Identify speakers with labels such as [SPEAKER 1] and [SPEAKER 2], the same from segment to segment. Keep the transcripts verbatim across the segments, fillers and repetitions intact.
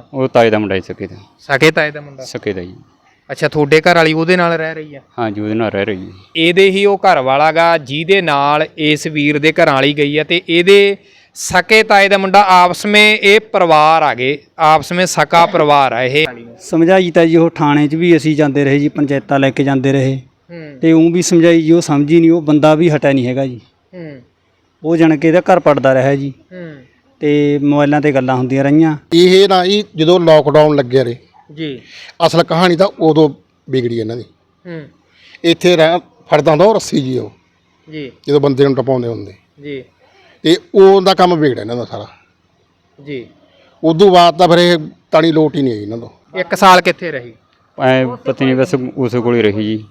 [SPEAKER 1] ਉਹ ਤਾਏ ਦਾ ਮੁੰਡਾ ਹੀ ਸਕੇ ਦਾ।
[SPEAKER 2] ਸਕੇ ਤਾਏ ਦਾ ਮੁੰਡਾ
[SPEAKER 1] ਸਕੇ ਦਾ ਜੀ।
[SPEAKER 2] ਅੱਛਾ, ਤੁਹਾਡੇ ਘਰ ਵਾਲੀ ਉਹਦੇ ਨਾਲ ਰਹਿ ਰਹੀ ਆ?
[SPEAKER 1] ਹਾਂਜੀ, ਉਹਦੇ ਨਾਲ ਰਹਿ ਰਹੀ ਹੈ।
[SPEAKER 2] ਇਹਦੇ ਹੀ ਉਹ ਘਰ ਵਾਲਾ ਗਾ ਜਿਹਦੇ ਨਾਲ ਇਸ ਵੀਰ ਦੇ ਘਰਾਂ ਵਾਲੀ ਗਈ ਆ, ਤੇ ਇਹਦੇ ਸਕੇ ਤਾਏ ਦਾ ਮੁੰਡਾ। ਆਪਸ ਵਿੱਚ ਇਹ ਪਰਿਵਾਰ ਆ ਗਏ, ਆਪਸ ਵਿੱਚ ਸਕਾ ਪਰਿਵਾਰ ਆ ਇਹ।
[SPEAKER 3] ਸਮਝਾਈ ਤਾਂ ਜੀ ਉਹ ਥਾਣੇ 'ਚ ਵੀ ਅਸੀਂ ਜਾਂਦੇ ਰਹੇ ਜੀ, ਪੰਚਾਇਤਾਂ ਲੈ ਕੇ ਜਾਂਦੇ ਰਹੇ ਤੇ ਉਹ ਵੀ ਸਮਝਾਈ ਜੀ, ਉਹ ਸਮਝੀ ਨਹੀਂ। ਉਹ ਬੰਦਾ ਵੀ ਹਟਿਆ ਨਹੀਂ ਹੈਗਾ ਜੀ। ਉਹ ਜਾਣ ਕੇ ਇਹਦਾ ਘਰ ਪੜਦਾ ਰਿਹਾ ਜੀ ਤੇ ਮੋਬਾਈਲਾਂ ਤੇ ਗੱਲਾਂ ਹੁੰਦੀਆਂ ਰਹੀਆਂ।
[SPEAKER 4] ਇਹ ਨਾ ਜੀ ਜਦੋਂ ਲੋਕਡਾਊਨ ਲੱਗਿਆ ਰੇ
[SPEAKER 2] ਜੀ,
[SPEAKER 4] ਅਸਲ ਕਹਾਣੀ ਤਾਂ ਉਦੋਂ ਵਿਗੜੀ ਇਹਨਾਂ ਦੀ। ਇੱਥੇ ਰਹਿ ਫੜਦਾ ਹੁੰਦਾ ਉਹ ਰੱਸੀ ਜੀ, ਉਹ
[SPEAKER 2] ਜੀ
[SPEAKER 4] ਜਦੋਂ ਬੰਦੇ ਨੂੰ ਟਪਾਉਂਦੇ ਹੁੰਦੇ
[SPEAKER 2] ਜੀ,
[SPEAKER 4] ਤੇ ਉਹਦਾ ਕੰਮ ਵਿਗੜਿਆ ਇਹਨਾਂ ਦਾ ਸਾਰਾ
[SPEAKER 2] ਜੀ।
[SPEAKER 4] ਉਦੋਂ ਬਾਅਦ ਤਾਂ ਫਿਰ ਇਹ ਤਾਣੀ ਲੋਟ ਹੀ ਨਹੀਂ ਆਈ ਇਹਨਾਂ ਤੋਂ।
[SPEAKER 2] ਇੱਕ ਸਾਲ ਕਿੱਥੇ ਰਹੀ?
[SPEAKER 1] ਐ ਪਤਾ ਨਹੀਂ, ਬਸ ਉਸ ਕੋਲ ਹੀ ਰਹੀ ਜੀ।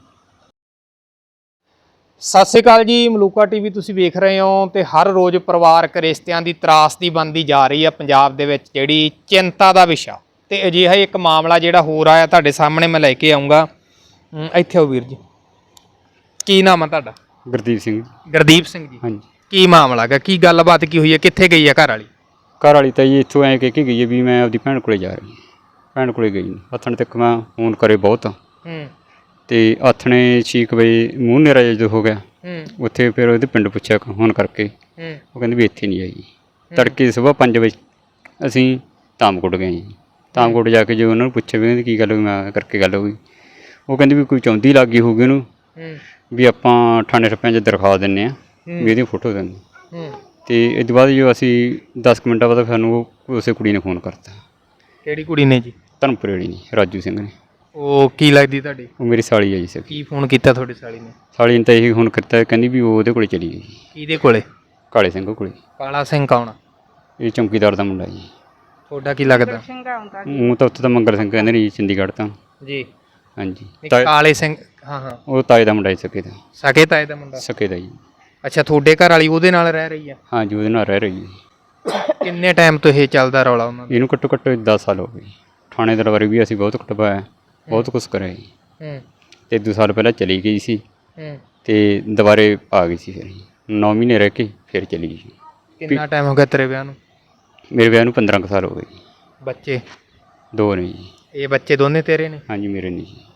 [SPEAKER 2] ਸਤਿ ਸ਼੍ਰੀ ਅਕਾਲ ਜੀ, ਮਲੂਕਾ ਟੀਵੀ ਤੁਸੀਂ ਵੇਖ ਰਹੇ ਹੋ ਤੇ ਹਰ ਰੋਜ਼ ਪਰਿਵਾਰਕ ਰਿਸ਼ਤਿਆਂ ਦੀ ਤਰਾਸਦੀ ਬਣਦੀ ਜਾ ਰਹੀ ਹੈ ਪੰਜਾਬ ਦੇ ਵਿੱਚ, ਜਿਹੜੀ ਚਿੰਤਾ ਦਾ ਵਿਸ਼ਾ। ਤੇ ਅਜਿਹਾ ਇੱਕ ਮਾਮਲਾ ਜਿਹੜਾ ਹੋਰ ਆਇਆ ਤੁਹਾਡੇ ਸਾਹਮਣੇ ਮੈਂ ਲੈ ਕੇ ਆਉਂਗਾ। ਇੱਥੇ ਆਓ ਵੀਰ ਜੀ, ਕੀ ਨਾਮ ਹੈ ਤੁਹਾਡਾ?
[SPEAKER 1] ਗੁਰਦੀਪ ਸਿੰਘ।
[SPEAKER 2] ਗੁਰਦੀਪ ਸਿੰਘ ਜੀ,
[SPEAKER 1] ਹਾਂਜੀ।
[SPEAKER 2] ਕੀ ਮਾਮਲਾ ਹੈਗਾ, ਕੀ ਗੱਲਬਾਤ ਕੀ ਹੋਈ ਹੈ, ਕਿੱਥੇ ਗਈ ਹੈ ਘਰ ਵਾਲੀ?
[SPEAKER 1] ਘਰ ਵਾਲੀ ਤਾਂ ਜੀ ਇੱਥੋਂ ਐਂ ਕਹਿ ਕੇ ਗਈ ਹੈ ਵੀ ਮੈਂ ਆਪਦੀ ਭੈਣ ਕੋਲੇ ਜਾ ਰਹੀ ਹਾਂ। ਭੈਣ ਕੋਲੇ ਗਈ ਹੱਥਣ ਤੱਕ ਮੈਂ ਫੋਨ ਕਰੇ ਬਹੁਤ, ਤੇ ਆਥਣੇ ਛੇ ਕੁ ਵਜੇ ਮੂੰਹ ਨੇਰਾ ਜਦੋਂ ਹੋ ਗਿਆ ਉੱਥੇ ਫਿਰ ਉਹਦੇ ਪਿੰਡ ਪੁੱਛਿਆ ਫੋਨ ਕਰਕੇ, ਉਹ ਕਹਿੰਦੇ ਵੀ ਇੱਥੇ ਨਹੀਂ ਆਈ। ਤੜਕੇ ਸੁਬਾਹ ਪੰਜ ਵਜੇ ਅਸੀਂ ਧਾਮਕੋਟ ਗਏ ਜੀ। ਧਾਮਕੋਟ ਜਾ ਕੇ ਜੋ ਉਹਨਾਂ ਨੂੰ ਪੁੱਛਿਆ ਵੀ ਕਹਿੰਦੇ ਕੀ ਗੱਲ ਹੋਈ, ਮੈਂ ਕਰਕੇ ਗੱਲ ਹੋ ਗਈ। ਉਹ ਕਹਿੰਦੇ ਵੀ ਕੋਈ ਚੌਂਦੀ ਲੱਗ ਗਈ ਹੋਊਗੀ ਉਹਨੂੰ, ਵੀ ਆਪਾਂ ਥਾਣੇ ਠੱਪਿਆਂ 'ਚ ਦਰਖਾਸਤ ਦਿੰਦੇ ਹਾਂ ਵੀ ਇਹਦੀ ਫੋਟੋ ਦਿੰਦੇ। ਅਤੇ ਇਹ ਤੋਂ ਬਾਅਦ ਜੋ ਅਸੀਂ ਦਸ ਕੁ ਮਿੰਟਾਂ ਬਾਅਦ ਸਾਨੂੰ ਉਹ ਉਸੇ ਕੁੜੀ ਨੇ ਫੋਨ ਕਰਤਾ।
[SPEAKER 2] ਕਿਹੜੀ ਕੁੜੀ ਨੇ ਜੀ?
[SPEAKER 1] ਧਰਮਪੁਰੇ ਵਾਲੀ ਨੇ, ਰਾਜੂ ਸਿੰਘ ਨੇ।
[SPEAKER 2] ਉਹ ਕੀ ਲੱਗਦੀ ਤੁਹਾਡੀ?
[SPEAKER 1] ਉਹ ਮੇਰੀ ਸਾਲੀ ਹੈ ਜੀ ਸਰ।
[SPEAKER 2] ਕੀ ਫੋਨ ਕੀਤਾ ਤੁਹਾਡੀ ਸਾਲੀ ਨੇ?
[SPEAKER 1] ਸਾਲੀ ਨੇ ਤਾਂ ਇਹੀ ਫੋਨ ਕੀਤਾ, ਕਹਿੰਦੀ ਵੀ ਉਹ ਉਹਦੇ ਕੋਲੇ ਚਲੀ ਗਈ।
[SPEAKER 2] ਕਿਹਦੇ ਕੋਲੇ?
[SPEAKER 1] ਕਾਲੇ ਸਿੰਘ ਕੋਲੇ।
[SPEAKER 2] ਕਾਲਾ ਸਿੰਘ ਕੌਣ?
[SPEAKER 1] ਇਹ ਚੌਂਕੀਦਾਰ ਦਾ ਮੁੰਡਾ ਜੀ।
[SPEAKER 2] ਤੁਹਾਡਾ ਕੀ ਲੱਗਦਾ?
[SPEAKER 1] ਉਹ ਤਾਂ ਉੱਥੇ ਤਾਂ ਮੰਗਲ ਸਿੰਘ ਕਹਿੰਦੇ ਨੇ ਜੀ, ਚੰਡੀਗੜ੍ਹ ਤਾਂ।
[SPEAKER 2] ਜੀ
[SPEAKER 1] ਹਾਂਜੀ।
[SPEAKER 2] ਕਾਲੇ ਸਿੰਘ, ਹਾਂ ਹਾਂ,
[SPEAKER 1] ਉਹ ਤਾਏ ਦਾ ਮੁੰਡਾ ਜੀ ਸਕੇ ਦਾ।
[SPEAKER 2] ਸਕੇ ਤਾਏ ਦਾ ਮੁੰਡਾ?
[SPEAKER 1] ਸਕੇ ਦਾ ਜੀ।
[SPEAKER 2] ਅੱਛਾ, ਤੁਹਾਡੇ ਘਰ ਵਾਲੀ ਉਹਦੇ ਨਾਲ ਰਹਿ ਰਹੀ ਆ?
[SPEAKER 1] ਹਾਂਜੀ, ਉਹਦੇ ਨਾਲ ਰਹਿ ਰਹੀ ਹੈ।
[SPEAKER 2] ਕਿੰਨੇ ਟਾਈਮ ਤੋਂ ਇਹ ਚੱਲਦਾ ਰੌਲਾ ਉਹਨਾਂ ਦਾ?
[SPEAKER 1] ਇਹਨੂੰ ਘੱਟੋ ਘੱਟ ਦਸ ਸਾਲ ਹੋ ਗਏ। ਥਾਣੇ ਦਰਬਾਰੇ ਵੀ ਅਸੀਂ ਬਹੁਤ ਕਟਵਾਇਆ, ਬਹੁਤ ਕੁਛ ਕਰਿਆ ਜੀ। ਅਤੇ ਦੋ ਸਾਲ ਪਹਿਲਾਂ ਚਲੀ ਗਈ ਸੀ ਅਤੇ ਦੁਬਾਰੇ ਆ ਗਈ ਸੀ। ਫਿਰ ਨੌ ਮਹੀਨੇ ਰਹਿ ਕੇ ਫਿਰ ਚਲੀ ਗਈ।
[SPEAKER 2] ਕਿੰਨਾ ਟਾਈਮ ਹੋ ਗਿਆ ਤੇਰੇ ਵਿਆਹ ਨੂੰ?
[SPEAKER 1] ਮੇਰੇ ਵਿਆਹ ਨੂੰ ਪੰਦਰਾਂ ਕੁ ਸਾਲ ਹੋ ਗਏ ਜੀ।
[SPEAKER 2] ਬੱਚੇ? ਦੋ
[SPEAKER 1] ਨੇ ਜੀ।
[SPEAKER 2] ਇਹ ਬੱਚੇ ਦੋਨੇ ਤੇਰੇ ਨੇ?
[SPEAKER 1] ਹਾਂਜੀ, ਮੇਰੇ ਨੇ ਜੀ।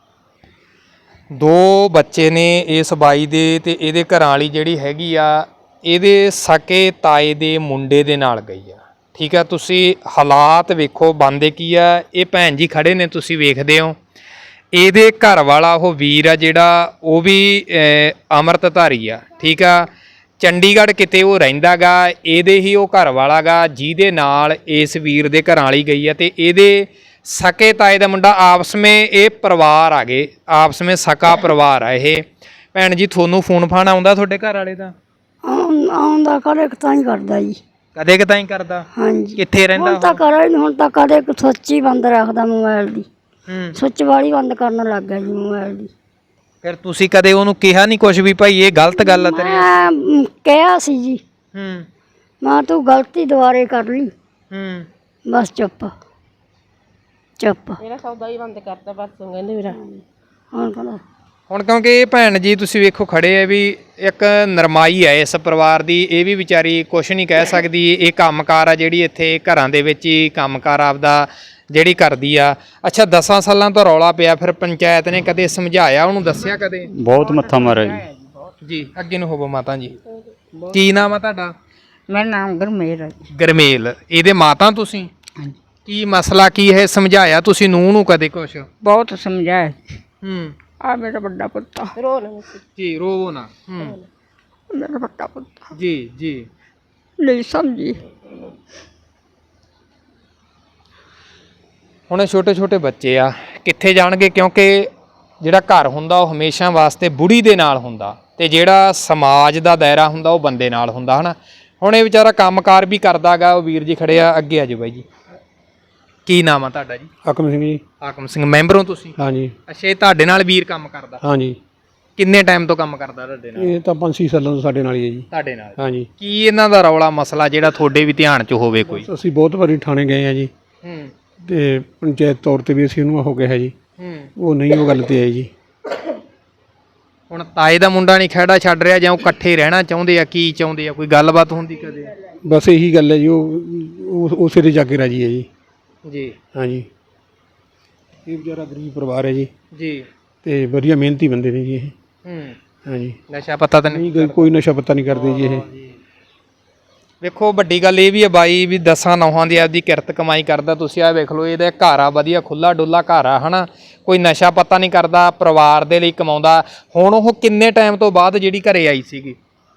[SPEAKER 2] ਦੋ ਬੱਚੇ ਨੇ ਇਸ ਬਾਈ ਦੇ, ਤੇ ਇਹਦੇ ਘਰਾਂ ਵਾਲੀ ਜਿਹੜੀ ਹੈਗੀ ਆ ਇਹਦੇ ਸਕੇ ਤਾਏ ਦੇ ਮੁੰਡੇ ਦੇ ਨਾਲ ਗਈ ਆ। ਠੀਕ ਆ, ਤੁਸੀਂ ਹਾਲਾਤ ਵੇਖੋ ਬਣਦੇ ਕੀ ਆ। ਇਹ ਭੈਣ ਜੀ ਖੜੇ ਨੇ, ਤੁਸੀਂ ਵੇਖਦੇ ਹੋ। ਇਹਦੇ ਘਰ ਵਾਲਾ ਉਹ ਵੀਰ ਆ ਜਿਹੜਾ, ਉਹ ਵੀ ਅੰਮ੍ਰਿਤਧਾਰੀ ਆ। ਠੀਕ ਆ, ਚੰਡੀਗੜ੍ਹ ਕਿਤੇ ਉਹ ਰਹਿੰਦਾ ਗਾ। ਇਹਦੇ ਹੀ ਉਹ ਘਰ ਵਾਲਾ ਗਾ ਜਿਹਦੇ ਨਾਲ ਇਸ ਵੀਰ ਦੇ ਘਰਾਂ ਵਾਲੀ ਗਈ ਆ, ਤੇ ਇਹਦੇ ਸਕੇ ਤਾਏ ਦਾ ਮੁੰਡਾ। ਆਪਸ ਵਿੱਚ ਇਹ ਪਰਿਵਾਰ ਆ ਗਏ, ਆਪਸ ਵਿੱਚ ਸਕਾ ਪਰਿਵਾਰ ਆ ਇਹ। ਭੈਣ ਜੀ, ਤੁਹਾਨੂੰ ਫੋਨ ਫਾਨ ਆਉਂਦਾ ਤੁਹਾਡੇ ਘਰ ਵਾਲੇ ਦਾ?
[SPEAKER 5] ਆਉਂਦਾ, ਕਦੇ ਤਾਂ ਹੀ ਕਰਦਾ ਜੀ।
[SPEAKER 2] ਕਦੇ ਕਦਾਈ ਕਰਦਾ?
[SPEAKER 5] ਹਾਂਜੀ।
[SPEAKER 2] ਕਿੱਥੇ ਰਹਿੰਦਾ?
[SPEAKER 5] ਹੁਣ ਤਾਂ ਕਰਾ ਹੀ ਨਹੀਂ, ਹੁਣ ਤਾਂ ਕਦੇ ਸੁੱਚ ਹੀ ਬੰਦ ਰੱਖਦਾ ਮੋਬਾਈਲ ਦੀ। ਸੁੱਚ ਵਾਲੀ ਬੰਦ ਕਰਨ ਲੱਗ ਗਿਆ ਜੀ ਮੋਬਾਈਲ ਦੀ।
[SPEAKER 2] ਫਿਰ ਤੁਸੀਂ ਕਦੇ ਉਹਨੂੰ ਕਿਹਾ ਨਹੀਂ ਕੁਝ ਵੀ ਭਾਈ ਇਹ ਗਲਤ ਗੱਲ ਆ ਤੇਰੀ?
[SPEAKER 5] ਮੈਂ ਕਿਹਾ ਸੀ ਜੀ,
[SPEAKER 2] ਹੂੰ,
[SPEAKER 5] ਮੈਂ ਤੂੰ ਗਲਤੀ ਦੁਬਾਰੇ ਕਰ ਲਈ।
[SPEAKER 2] ਹੂੰ,
[SPEAKER 5] ਬਸ ਚੁੱਪ ਚੁੱਪ।
[SPEAKER 6] ਮੇਰਾ ਸੌਦਾ ਹੀ ਬੰਦ ਕਰਤਾ ਬਸ, ਕਹਿੰਦੇ ਮੇਰਾ।
[SPEAKER 5] ਹੁਣ ਕਹਿੰਦਾ
[SPEAKER 2] ਹੁਣ ਕਿਉਂਕਿ ਇਹ ਭੈਣ ਜੀ ਤੁਸੀਂ ਵੇਖੋ ਖੜੇ ਆ, ਵੀ ਇੱਕ ਨਰਮਾਈ ਹੈ ਇਸ ਪਰਿਵਾਰ ਦੀ। ਇਹ ਵੀ ਵਿਚਾਰੀ ਕੁਛ ਨਹੀਂ ਕਹਿ ਸਕਦੀ। ਇਹ ਕੰਮਕਾਰ ਆ ਜਿਹੜੀ ਇੱਥੇ ਘਰਾਂ ਦੇ ਵਿੱਚ ਹੀ ਕੰਮਕਾਰ ਆਪਦਾ ਜਿਹੜੀ ਕਰਦੀ ਆ। ਅੱਛਾ, ਦਸਾਂ ਸਾਲਾਂ ਤੋਂ ਰੌਲਾ ਪਿਆ, ਫਿਰ ਪੰਚਾਇਤ ਨੇ ਕਦੇ ਸਮਝਾਇਆ ਉਹਨੂੰ, ਦੱਸਿਆ ਕਦੇ?
[SPEAKER 1] ਬਹੁਤ ਮੱਥਾ ਮਾਰਿਆ ਜੀ।
[SPEAKER 2] ਜੀ, ਅੱਗੇ ਨੂੰ ਹੋਵੋ ਮਾਤਾ ਜੀ। ਕੀ ਨਾਮ ਆ ਤੁਹਾਡਾ?
[SPEAKER 7] ਮੇਰਾ ਨਾਮ ਗਰਮੇਲ ਹੈ।
[SPEAKER 2] ਗਰਮੇਲ, ਇਹਦੇ ਮਾਤਾ ਤੁਸੀਂ? ਕੀ ਮਸਲਾ ਕੀ ਹੈ, ਸਮਝਾਇਆ ਤੁਸੀਂ ਨੂੰਹ ਨੂੰ ਕਦੇ ਕੁਛ?
[SPEAKER 7] ਬਹੁਤ ਸਮਝਾਇਆ।
[SPEAKER 2] ਹੂੰ।
[SPEAKER 7] ਆ ਮੇਰਾ ਵੱਡਾ ਪੁੱਤ
[SPEAKER 6] ਰੋ ਨਾ
[SPEAKER 2] ਜੀ, ਰੋਵੋ ਨਾ। ਹੂੰ,
[SPEAKER 7] ਮੇਰਾ ਵੱਡਾ ਪੁੱਤ
[SPEAKER 2] ਜੀ ਜੀ।
[SPEAKER 7] ਨਹੀਂ ਸਮਝੀ।
[SPEAKER 2] ਹੁਣ ਛੋਟੇ ਛੋਟੇ ਬੱਚੇ ਆ, ਕਿੱਥੇ ਜਾਣਗੇ? ਕਿਉਂਕਿ ਜਿਹੜਾ ਘਰ ਹੁੰਦਾ ਉਹ ਹਮੇਸ਼ਾ ਵਾਸਤੇ ਬੁੜੀ ਦੇ ਨਾਲ ਹੁੰਦਾ, ਤੇ ਜਿਹੜਾ ਸਮਾਜ ਦਾ ਦਾਇਰਾ ਹੁੰਦਾ ਉਹ ਬੰਦੇ ਨਾਲ ਹੁੰਦਾ, ਹਨਾ। ਹੁਣ ਇਹ ਵਿਚਾਰਾ ਕੰਮਕਾਰ ਵੀ ਕਰਦਾ ਗਾ। ਉਹ ਵੀਰ ਜੀ ਖੜੇ ਆ, ਅੱਗੇ ਆ ਜਾਓ ਬਾਈ ਜੀ। ਕੀ ਨਾਮ ਆ ਤੁਹਾਡਾ ਜੀ?
[SPEAKER 3] ਹਾਕਮ ਸਿੰਘ ਜੀ।
[SPEAKER 2] ਹਾਕਮ ਸਿੰਘ, ਮੈਂਬਰ ਹੋ ਤੁਸੀਂ?
[SPEAKER 3] ਹਾਂਜੀ।
[SPEAKER 2] ਅੱਛਾ, ਇਹ ਤੁਹਾਡੇ ਨਾਲ ਵੀਰ ਕੰਮ ਕਰਦਾ?
[SPEAKER 3] ਹਾਂਜੀ।
[SPEAKER 2] ਕਿੰਨੇ ਟਾਈਮ ਤੋਂ ਕੰਮ ਕਰਦਾ ਤੁਹਾਡੇ ਨਾਲ?
[SPEAKER 3] ਇਹ ਤਾਂ ਪੰਜ ਛੇ ਸਾਲਾਂ ਤੋਂ ਸਾਡੇ ਨਾਲ ਹੀ ਹੈ ਜੀ।
[SPEAKER 2] ਤੁਹਾਡੇ ਨਾਲ?
[SPEAKER 3] ਹਾਂਜੀ।
[SPEAKER 2] ਕੀ ਇਹਨਾਂ ਦਾ ਰੌਲਾ ਮਸਲਾ ਜਿਹੜਾ ਤੁਹਾਡੇ ਵੀ ਧਿਆਨ 'ਚ ਹੋਵੇ ਕੋਈ?
[SPEAKER 3] ਅਸੀਂ ਬਹੁਤ ਵਾਰੀ ਥਾਣੇ ਗਏ ਆ ਜੀ,
[SPEAKER 2] ਹੂੰ,
[SPEAKER 3] ਤੇ ਪੰਚਾਇਤ ਤੌਰ ਤੇ ਵੀ ਅਸੀਂ ਉਹਨੂੰ ਹੋ ਗਿਆ ਹੈ ਜੀ।
[SPEAKER 2] ਹੂੰ।
[SPEAKER 3] ਉਹ ਨਹੀਂ ਉਹ ਗੱਲ ਤੇ ਆਈ ਜੀ।
[SPEAKER 2] ਹੁਣ ਤਾਏ ਦਾ ਮੁੰਡਾ ਨਹੀਂ ਖਹਿੜਾ ਛੱਡ ਰਿਹਾ, ਜਾਂ ਉਹ ਇਕੱਠੇ ਰਹਿਣਾ ਚਾਹੁੰਦੇ ਆ? ਕੀ ਚਾਹੁੰਦੇ ਆ? ਕੋਈ ਗੱਲਬਾਤ ਹੁੰਦੀ ਕਦੇ?
[SPEAKER 3] ਬਸ ਇਹੀ ਗੱਲ ਹੈ ਜੀ, ਉਹ ਉਸੇ ਤੇ ਜਾ ਕੇ ਰਾਜੀ ਹੈ ਜੀ।
[SPEAKER 2] ਜੀ
[SPEAKER 8] ਹਾਂਜੀ ਇਹ ਵਿਚਾਰਾ ਗਰੀਬ ਪਰਿਵਾਰ ਹੈ ਜੀ
[SPEAKER 2] ਜੀ
[SPEAKER 8] ਤੇ ਵਧੀਆ ਮਿਹਨਤੀ ਬੰਦੇ ਨੇ ਜੀ ਇਹ।
[SPEAKER 2] ਹੂੰ
[SPEAKER 8] ਹਾਂਜੀ
[SPEAKER 2] ਨਸ਼ਾ ਪਤਾ ਤਾਂ ਨਹੀਂ
[SPEAKER 8] ਨਹੀਂ ਕੋਈ- ਕੋਈ ਨਸ਼ਾ ਪੱਤਾ ਨਹੀਂ ਕਰਦੇ ਜੀ ਇਹ।
[SPEAKER 2] ਵੇਖੋ ਵੱਡੀ ਗੱਲ ਇਹ ਵੀ ਹੈ ਬਾਈ ਵੀ ਦਸਾਂ ਨੌਹਾਂ ਦੀ ਆਪਦੀ ਕਿਰਤ ਕਮਾਈ ਕਰਦਾ। ਤੁਸੀਂ ਆ ਵੇਖ ਲਓ ਇਹਦਾ ਘਰ ਆ ਵਧੀਆ ਖੁੱਲਾ ਡੁੱਲਾ ਘਰ ਆ ਹਨਾ, ਕੋਈ ਨਸ਼ਾ ਪੱਤਾ ਨਹੀਂ ਕਰਦਾ, ਪਰਿਵਾਰ ਦੇ ਲਈ ਕਮਾਉਂਦਾ। ਹੁਣ ਉਹ ਕਿੰਨੇ ਟਾਈਮ ਤੋਂ ਬਾਅਦ ਜਿਹੜੀ ਘਰੇ ਆਈ ਸੀਗੀ?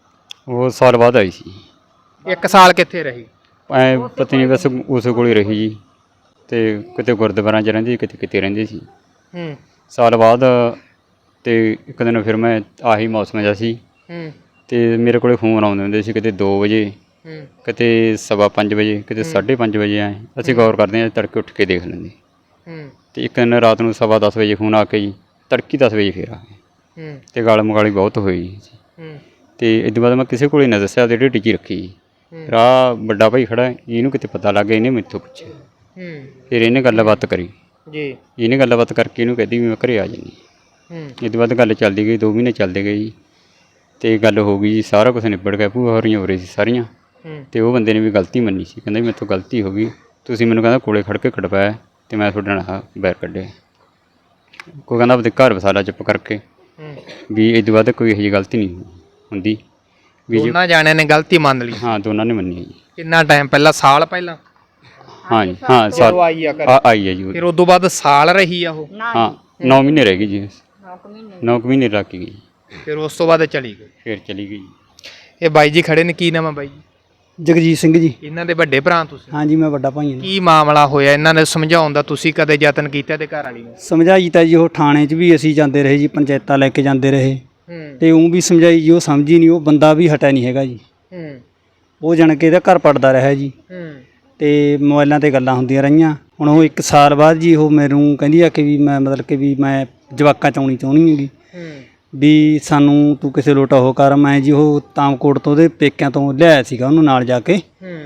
[SPEAKER 1] ਉਹ ਸਾਲ ਬਾਅਦ ਆਈ ਸੀ।
[SPEAKER 2] ਇੱਕ ਸਾਲ ਕਿੱਥੇ ਰਹੀ?
[SPEAKER 1] ਐ ਪਤਾ ਨਹੀਂ ਬਸ ਉਸ ਕੋਲ ਹੀ ਰਹੀ ਜੀ, ਤੇ ਕਿਤੇ ਗੁਰਦੁਆਰਾਂ 'ਚ ਰਹਿੰਦੀ ਕਿਤੇ ਕਿਤੇ ਰਹਿੰਦੀ ਸੀ।
[SPEAKER 2] ਹੂੰ
[SPEAKER 1] ਸਾਲ ਬਾਅਦ ਤੇ ਇੱਕ ਦਿਨ ਫਿਰ ਮੈਂ ਆਹੀ ਮੌਸਮ ਜਿਹਾ ਸੀ
[SPEAKER 2] ਹੂੰ
[SPEAKER 1] ਤੇ ਮੇਰੇ ਕੋਲੇ ਫੋਨ ਆਉਂਦੇ ਹੁੰਦੇ ਸੀ, ਕਿਤੇ ਦੋ ਵਜੇ,
[SPEAKER 2] ਹੂੰ
[SPEAKER 1] ਕਿਤੇ ਸਵਾ ਪੰਜ ਵਜੇ, ਕਿਤੇ ਸਾਢੇ ਪੰਜ ਵਜੇ ਆਏ। ਅਸੀਂ ਗੌਰ ਕਰਦੇ ਹਾਂ, ਤੜਕੇ ਉੱਠ ਕੇ ਦੇਖ ਲੈਂਦੇ।
[SPEAKER 2] ਹੂੰ
[SPEAKER 1] ਤੇ ਇੱਕ ਦਿਨ ਰਾਤ ਨੂੰ ਸਵਾ ਦਸ ਵਜੇ ਫੋਨ ਆ ਕੇ ਜੀ, ਤੜਕੀ ਦਸ ਵਜੇ ਫਿਰ ਆ ਗਏ
[SPEAKER 2] ਹੂੰ
[SPEAKER 1] ਤੇ ਗਾਲ ਮਗਾਲੀ ਬਹੁਤ ਹੋਈ ਜੀ।
[SPEAKER 2] ਹੂੰ
[SPEAKER 1] ਤੇ ਇਸ ਤੋਂ ਬਾਅਦ ਮੈਂ ਕਿਸੇ ਕੋਲ ਹੀ ਨਾ ਦੱਸਿਆ, ਤੇ ਢਿੱਡੀ 'ਚ ਹੀ ਰੱਖੀ ਜੀ। ਰਾਹ ਵੱਡਾ ਭਾਈ ਖੜਾ, ਇਹਨੂੰ ਕਿਤੇ ਪਤਾ ਲੱਗ ਗਿਆ, ਇਹਨੇ ਮੈਥੋਂ ਪੁੱਛਿਆ।
[SPEAKER 2] ਹੂੰ
[SPEAKER 1] ਫਿਰ ਇਹਨੇ ਗੱਲਬਾਤ ਕਰੀ,
[SPEAKER 2] ਜੀ
[SPEAKER 1] ਇਹਨੇ ਗੱਲਬਾਤ ਕਰਕੇ ਇਹਨੂੰ ਕਹਿੰਦੀ ਵੀ ਮੈਂ ਘਰੇ ਆ ਜਾਂਦੀ।
[SPEAKER 2] ਹੂੰ
[SPEAKER 1] ਇਸ ਤੋਂ ਬਾਅਦ ਗੱਲ ਚੱਲਦੀ ਗਈ, ਦੋ ਮਹੀਨੇ ਚੱਲਦੇ ਗਏ ਜੀ, ਤੇ ਗੱਲ ਹੋ ਗਈ ਜੀ, ਸਾਰਾ ਕੁਝ ਨਿਬੜ ਗਿਆ। ਭੂਆ ਹੋਰੀਆਂ ਹੋ ਰਹੀ ਸੀ ਸਾਰੀਆਂ,
[SPEAKER 2] ਹੂੰ
[SPEAKER 1] ਤੇ ਉਹ ਬੰਦੇ ਨੇ ਵੀ ਗਲਤੀ ਮੰਨੀ ਸੀ। ਕਹਿੰਦਾ ਵੀ ਮੇਰੇ ਤੋਂ ਗਲਤੀ ਹੋ ਗਈ, ਤੁਸੀਂ ਮੈਨੂੰ ਕਹਿੰਦਾ ਕੋਲੇ ਖੜ ਕੇ ਖੜਵਾਇਆ ਤੇ ਮੈਂ ਤੁਹਾਡੇ ਨਾਲ ਆਹ ਬੈਰ ਕੱਢਿਆ। ਕੋਈ ਕਹਿੰਦਾ ਆਪਦੇ ਘਰ ਵਸਾਲਾ ਚੁੱਪ ਕਰਕੇ,
[SPEAKER 2] ਹੂੰ
[SPEAKER 1] ਵੀ ਇਸ ਤੋਂ ਬਾਅਦ ਕੋਈ ਇਹੋ ਜਿਹੀ ਗਲਤੀ ਨਹੀਂ ਹੁੰਦੀ ਵੀ ਜੇ।
[SPEAKER 2] ਦੋਨਾਂ ਜਾਣਿਆਂ ਨੇ ਗਲਤੀ ਮੰਨ ਲਈ।
[SPEAKER 1] ਹਾਂ ਦੋਨਾਂ ਨੇ ਮੰਨੀ ਹੈ ਜੀ।
[SPEAKER 2] ਕਿੰਨਾ ਟਾਈਮ ਪਹਿਲਾਂ? ਸਾਲ ਪਹਿਲਾਂ
[SPEAKER 1] ਹਾਂ ਜੀ ਹਾਂ ਸਾਲ
[SPEAKER 2] ਜਦੋਂ ਆਈ ਆ ਘਰੇ?
[SPEAKER 1] ਆ- ਆਈ ਹੈ ਜੀ ਉਹ।
[SPEAKER 2] ਫਿਰ ਉਸ ਤੋਂ ਬਾਅਦ ਸਾਲ ਰਹੀ ਆ ਉਹ?
[SPEAKER 1] ਹਾਂ ਨੌ ਮਹੀਨੇ ਰਹਿ ਗਈ ਜੀ, ਨੌ ਕੁ ਮਹੀਨੇ ਲੱਗ ਗਈ,
[SPEAKER 2] ਫਿਰ ਉਸ ਤੋਂ ਬਾਅਦ ਚਲੀ ਗਈ।
[SPEAKER 1] ਫਿਰ ਚਲੀ ਗਈ।
[SPEAKER 2] ਇਹ ਬਾਈ ਜੀ ਖੜੇ ਨੇ, ਕੀ ਨਾਮ ਆ ਬਾਈ ਜੀ?
[SPEAKER 3] ਜਗਜੀਤ ਸਿੰਘ ਜੀ।
[SPEAKER 2] ਇਹਨਾਂ ਦੇ ਵੱਡੇ ਭਰਾ ਤੁਸੀਂ?
[SPEAKER 3] ਹਾਂਜੀ ਮੈਂ ਵੱਡਾ ਭਾਈ ਹਾਂ।
[SPEAKER 2] ਕੀ ਮਾਮਲਾ ਹੋਇਆ ਇਹਨਾਂ ਨੇ ਸਮਝਾਉਣ ਦਾ? ਤੁਸੀਂ ਕਦੇ ਯਤਨ ਕੀਤਾ ਤੇ ਘਰ ਵਾਲੀ ਨੂੰ?
[SPEAKER 3] ਸਮਝਾਈ ਤਾਂ ਜੀ ਉਹ ਥਾਣੇ 'ਚ ਵੀ ਅਸੀਂ ਜਾਂਦੇ ਰਹੇ ਜੀ, ਪੰਚਾਇਤਾਂ ਲੈ ਕੇ ਜਾਂਦੇ ਰਹੇ
[SPEAKER 2] ਹੂੰ
[SPEAKER 3] ਤੇ ਉਹ ਵੀ ਸਮਝਾਈ ਜੀ, ਉਹ ਸਮਝੀ ਨਹੀਂ। ਉਹ ਬੰਦਾ ਵੀ ਹਟਿਆ ਨਹੀਂ ਹੈਗਾ ਜੀ,
[SPEAKER 2] ਹੂੰ
[SPEAKER 3] ਉਹ ਜਾਣ ਕੇ ਇਹਦਾ ਘਰ ਪੜਦਾ ਰਿਹਾ ਜੀ,
[SPEAKER 2] ਹੂੰ
[SPEAKER 3] ਤੇ ਮੋਬਾਈਲਾਂ ਤੇ ਗੱਲਾਂ ਹੁੰਦੀਆਂ ਰਹੀਆਂ। ਹੁਣ ਉਹ ਇੱਕ ਸਾਲ ਬਾਅਦ ਜੀ ਉਹ ਮੈਨੂੰ ਕਹਿੰਦੀ ਆ ਕਿ ਵੀ ਮੈਂ ਮਤਲਬ ਕਿ ਵੀ ਮੈਂ ਜਵਾਕਾਂ 'ਚ ਆਉਣੀ ਚਾਹੁੰਦੀ ਹੈਗੀ,
[SPEAKER 2] ਹੂੰ
[SPEAKER 3] ਵੀ ਸਾਨੂੰ ਤੂੰ ਕਿਸੇ ਲੋਟਾ ਉਹ ਕਰ। ਮੈਂ ਜੀ ਉਹ ਤਾਮਕੋਟ ਤੋਂ ਉਹਦੇ ਪੇਕਿਆਂ ਤੋਂ ਲਿਆਇਆ ਸੀਗਾ ਉਹਨੂੰ ਨਾਲ ਜਾ ਕੇ,
[SPEAKER 2] ਹੂੰ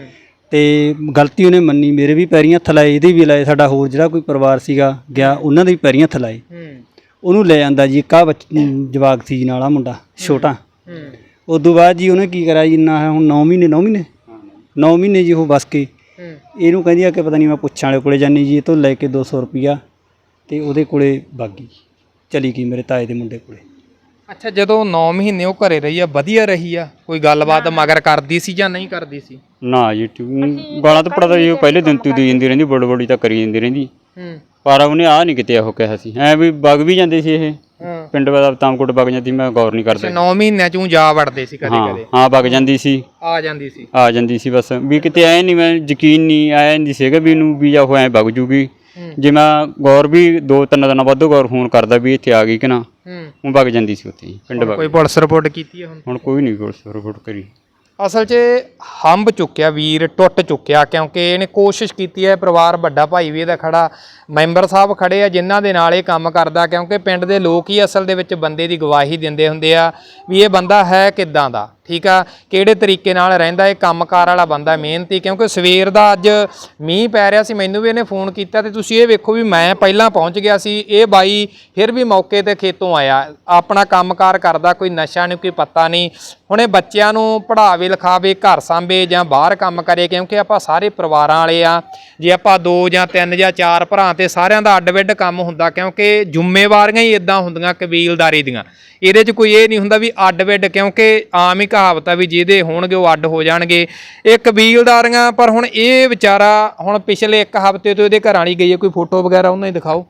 [SPEAKER 3] ਤੇ ਗਲਤੀ ਉਹਨੇ ਮੰਨੀ, ਮੇਰੇ ਵੀ ਪੈਰੀਂ ਹੱਥ ਲਾਏ, ਇਹਦੇ ਵੀ ਲਾਏ, ਸਾਡਾ ਹੋਰ ਜਿਹੜਾ ਕੋਈ ਪਰਿਵਾਰ ਸੀਗਾ ਗਿਆ ਉਹਨਾਂ ਦੇ ਵੀ ਪੈਰੀਂ ਹੱਥ ਲਾਏ।
[SPEAKER 2] ਹੂੰ
[SPEAKER 3] ਉਹਨੂੰ ਲੈ ਜਾਂਦਾ ਜੀ, ਇੱਕ ਆਹ ਬੱਚ ਜਵਾਕ ਸੀ ਜੀ ਨਾਲ, ਆ ਮੁੰਡਾ ਛੋਟਾ।
[SPEAKER 2] ਹੂੰ
[SPEAKER 3] ਉਦੋਂ ਬਾਅਦ ਜੀ ਉਹਨੇ ਕੀ ਕਰਿਆ ਜੀ, ਨਾ ਹੁਣ ਨੌ ਮਹੀਨੇ ਨੌ ਮਹੀਨੇ ਨੌ ਮਹੀਨੇ ਜੀ ਉਹ ਬਸ ਕੇ
[SPEAKER 2] ਹੂੰ
[SPEAKER 3] ਇਹਨੂੰ ਕਹਿੰਦੀ ਆ ਕਿ ਪਤਾ ਨਹੀਂ ਮੈਂ ਪੁੱਛਾਂ ਵਾਲੇ ਕੋਲੇ ਜਾਨੀ ਜੀ, ਇਹ ਤੋਂ ਲੈ ਕੇ ਦੋ ਸੌ ਰੁਪਈਆ ਤੇ ਉਹਦੇ ਕੋਲੇ ਬਾਗੀ ਚਲੀ ਗਈ, ਮੇਰੇ ਤਾਏ ਦੇ ਮੁੰਡੇ ਕੋਲੇ।
[SPEAKER 2] ਅੱਛਾ, ਜਦੋਂ ਨੌ ਮਹੀਨੇ ਉਹ ਘਰੇ ਰਹੀ ਆ, ਵਧੀਆ ਰਹੀ ਆ? ਕੋਈ ਗੱਲਬਾਤ ਮਗਰ ਕਰਦੀ ਸੀ ਜਾਂ ਨਹੀਂ ਕਰਦੀ ਸੀ?
[SPEAKER 1] ਨਾ ਜੀ ਟਿਊ- ਗਾਲਾਂ ਤਾਂ ਪੜਦਾ ਜੀ, ਉਹ ਪਹਿਲੇ ਦਿਨ ਤੋਂ ਦੀ ਜਾਂਦੀ ਰਹਿੰਦੀ, ਬੜ ਬੜੀ ਤਾਂ ਕਰੀ ਜਾਂਦੀ ਰਹਿੰਦੀ।
[SPEAKER 2] ਹੂੰ
[SPEAKER 1] ਪਰ ਉਹਨੇ ਆਹ ਨਹੀਂ ਕਿਤੇ ਉਹ ਕਿਹਾ ਸੀ, ਐ ਵੀ ਵਗ ਵੀ ਜਾਂਦੇ ਸੀ ਇਹ
[SPEAKER 2] ਹਾਂ
[SPEAKER 1] ਪਿੰਡ ਦਾ ਤਾਮਕੋਟ ਵਗ ਜਾਂਦੀ, ਮੈਂ ਗੌਰ ਨਹੀਂ ਕਰਦਾ।
[SPEAKER 2] ਨੌ ਮਹੀਨਿਆਂ ਚੋਂ ਜਾ ਵੜਦੇ ਸੀ ਕਦੇ
[SPEAKER 1] ਹਾਂ
[SPEAKER 2] ਕਦੇ?
[SPEAKER 1] ਹਾਂ ਵਗ ਜਾਂਦੀ ਸੀ,
[SPEAKER 2] ਆ ਜਾਂਦੀ ਸੀ?
[SPEAKER 1] ਆ ਜਾਂਦੀ ਸੀ ਬਸ, ਵੀ ਕਿਤੇ ਐ ਨਹੀਂ, ਮੈਂ ਯਕੀਨ ਨਹੀਂ ਆਇਆ ਨਹੀਂ ਸੀਗਾ ਵੀ ਇਹਨੂੰ ਵੀ ਜਾਂ ਉਹ ਐ ਵਗ ਜੂਗੀ। ਜੇ ਮੈਂ ਗੌਰ ਵੀ ਦੋ ਤਿੰਨ ਦਿਨਾਂ ਬਾਅਦ ਗੌਰ ਫੋਨ ਕਰਦਾ ਵੀ ਇੱਥੇ ਆ ਗਈ ਕਿ ਨਾ,
[SPEAKER 2] ਹੂੰ
[SPEAKER 1] ਉਹ ਵਗ ਜਾਂਦੀ ਸੀ ਉੱਥੇ ਪਿੰਡ ਵਗ।
[SPEAKER 2] ਕੋਈ ਪੁਲਿਸ ਰਿਪੋਰਟ ਕੀਤੀ ਹੈ ਹੁਣ?
[SPEAKER 1] ਹੁਣ ਕੋਈ ਨਹੀਂ ਪੁਲਿਸ ਰਿਪੋਰਟ ਕਰੀ।
[SPEAKER 2] ਅਸਲ 'ਚ ਹੰਬ ਚੁੱਕਿਆ ਵੀਰ, ਟੁੱਟ ਚੁੱਕਿਆ, ਕਿਉਂਕਿ ਇਹਨੇ ਕੋਸ਼ਿਸ਼ ਕੀਤੀ ਹੈ। ਪਰਿਵਾਰ ਵੱਡਾ ਭਾਈ ਵੀ ਇਹਦਾ ਖੜਾ, ਮੈਂਬਰ ਸਾਹਿਬ ਖੜੇ ਆ ਜਿਨ੍ਹਾਂ ਦੇ ਨਾਲ ਇਹ ਕੰਮ ਕਰਦਾ, ਕਿਉਂਕਿ ਪਿੰਡ ਦੇ ਲੋਕ ਹੀ ਅਸਲ ਦੇ ਵਿੱਚ ਬੰਦੇ ਦੀ ਗਵਾਹੀ ਦਿੰਦੇ ਹੁੰਦੇ ਆ ਵੀ ਇਹ ਬੰਦਾ ਹੈ ਕਿੱਦਾਂ ਦਾ, ਠੀਕ ਆ, ਕਿਹੜੇ ਤਰੀਕੇ ਨਾਲ ਰਹਿੰਦਾ, ਇਹ ਕੰਮਕਾਰ ਵਾਲਾ ਬੰਦਾ, ਮਿਹਨਤੀ। ਕਿਉਂਕਿ ਸਵੇਰ ਦਾ ਅੱਜ ਮੀਂਹ ਪੈ ਰਿਹਾ ਸੀ, ਮੈਨੂੰ ਵੀ ਇਹਨੇ ਫੋਨ ਕੀਤਾ ਤੇ ਤੁਸੀਂ ਇਹ ਵੇਖੋ ਵੀ ਮੈਂ ਪਹਿਲਾਂ ਪਹੁੰਚ ਗਿਆ ਸੀ, ਇਹ ਬਾਈ ਫਿਰ ਵੀ ਮੌਕੇ ਤੇ ਖੇਤੋਂ ਆਇਆ, ਆਪਣਾ ਕੰਮਕਾਰ ਕਰਦਾ, ਕੋਈ ਨਸ਼ਾ ਨਹੀਂ, ਕੋਈ ਪੱਤਾ ਨਹੀਂ। ਹੁਣ ਇਹ ਬੱਚਿਆਂ ਨੂੰ ਪੜ੍ਹਾਵੇ ਲਿਖਾਵੇ, ਘਰ ਸਾਂਭੇ ਜਾਂ ਬਾਹਰ ਕੰਮ ਕਰੇ, ਕਿਉਂਕਿ ਆਪਾਂ ਸਾਰੇ ਪਰਿਵਾਰਾਂ ਵਾਲੇ ਆ। ਜੇ ਆਪਾਂ ਦੋ ਜਾਂ ਤਿੰਨ ਜਾਂ ਚਾਰ ਭਰਾ ਤੇ ਸਾਰਿਆਂ ਦਾ ਅੱਡ-ਵਿੱਡ ਕੰਮ ਹੁੰਦਾ, ਕਿਉਂਕਿ ਜ਼ਿੰਮੇਵਾਰੀਆਂ ਹੀ ਇਦਾਂ ਹੁੰਦੀਆਂ ਕਬੀਲਦਾਰੀ ਦੀਆਂ। ਇਹਦੇ 'ਚ ਕੋਈ ਇਹ ਨਹੀਂ ਹੁੰਦਾ ਵੀ ਅੱਡ-ਵਿੱਡ, ਕਿਉਂਕਿ ਆਮ ਹੀ ਕਹਾਵਤ ਆ ਵੀ ਜਿਹਦੇ ਹੋਣਗੇ ਉਹ ਅੱਡ ਹੋ ਜਾਣਗੇ, ਇਹ ਕਬੀਲਦਾਰੀਆਂ। ਪਰ ਹੁਣ ਇਹ ਵਿਚਾਰਾ ਹੁਣ ਪਿਛਲੇ ਇੱਕ ਹਫ਼ਤੇ ਤੋਂ ਇਹਦੇ ਘਰਾਂ ਵਾਲੀ ਗਈ ਹੈ, ਕੋਈ ਫੋਟੋ ਵਗੈਰਾ ਉਹਨਾਂ ਦੀ ਦਿਖਾਓ,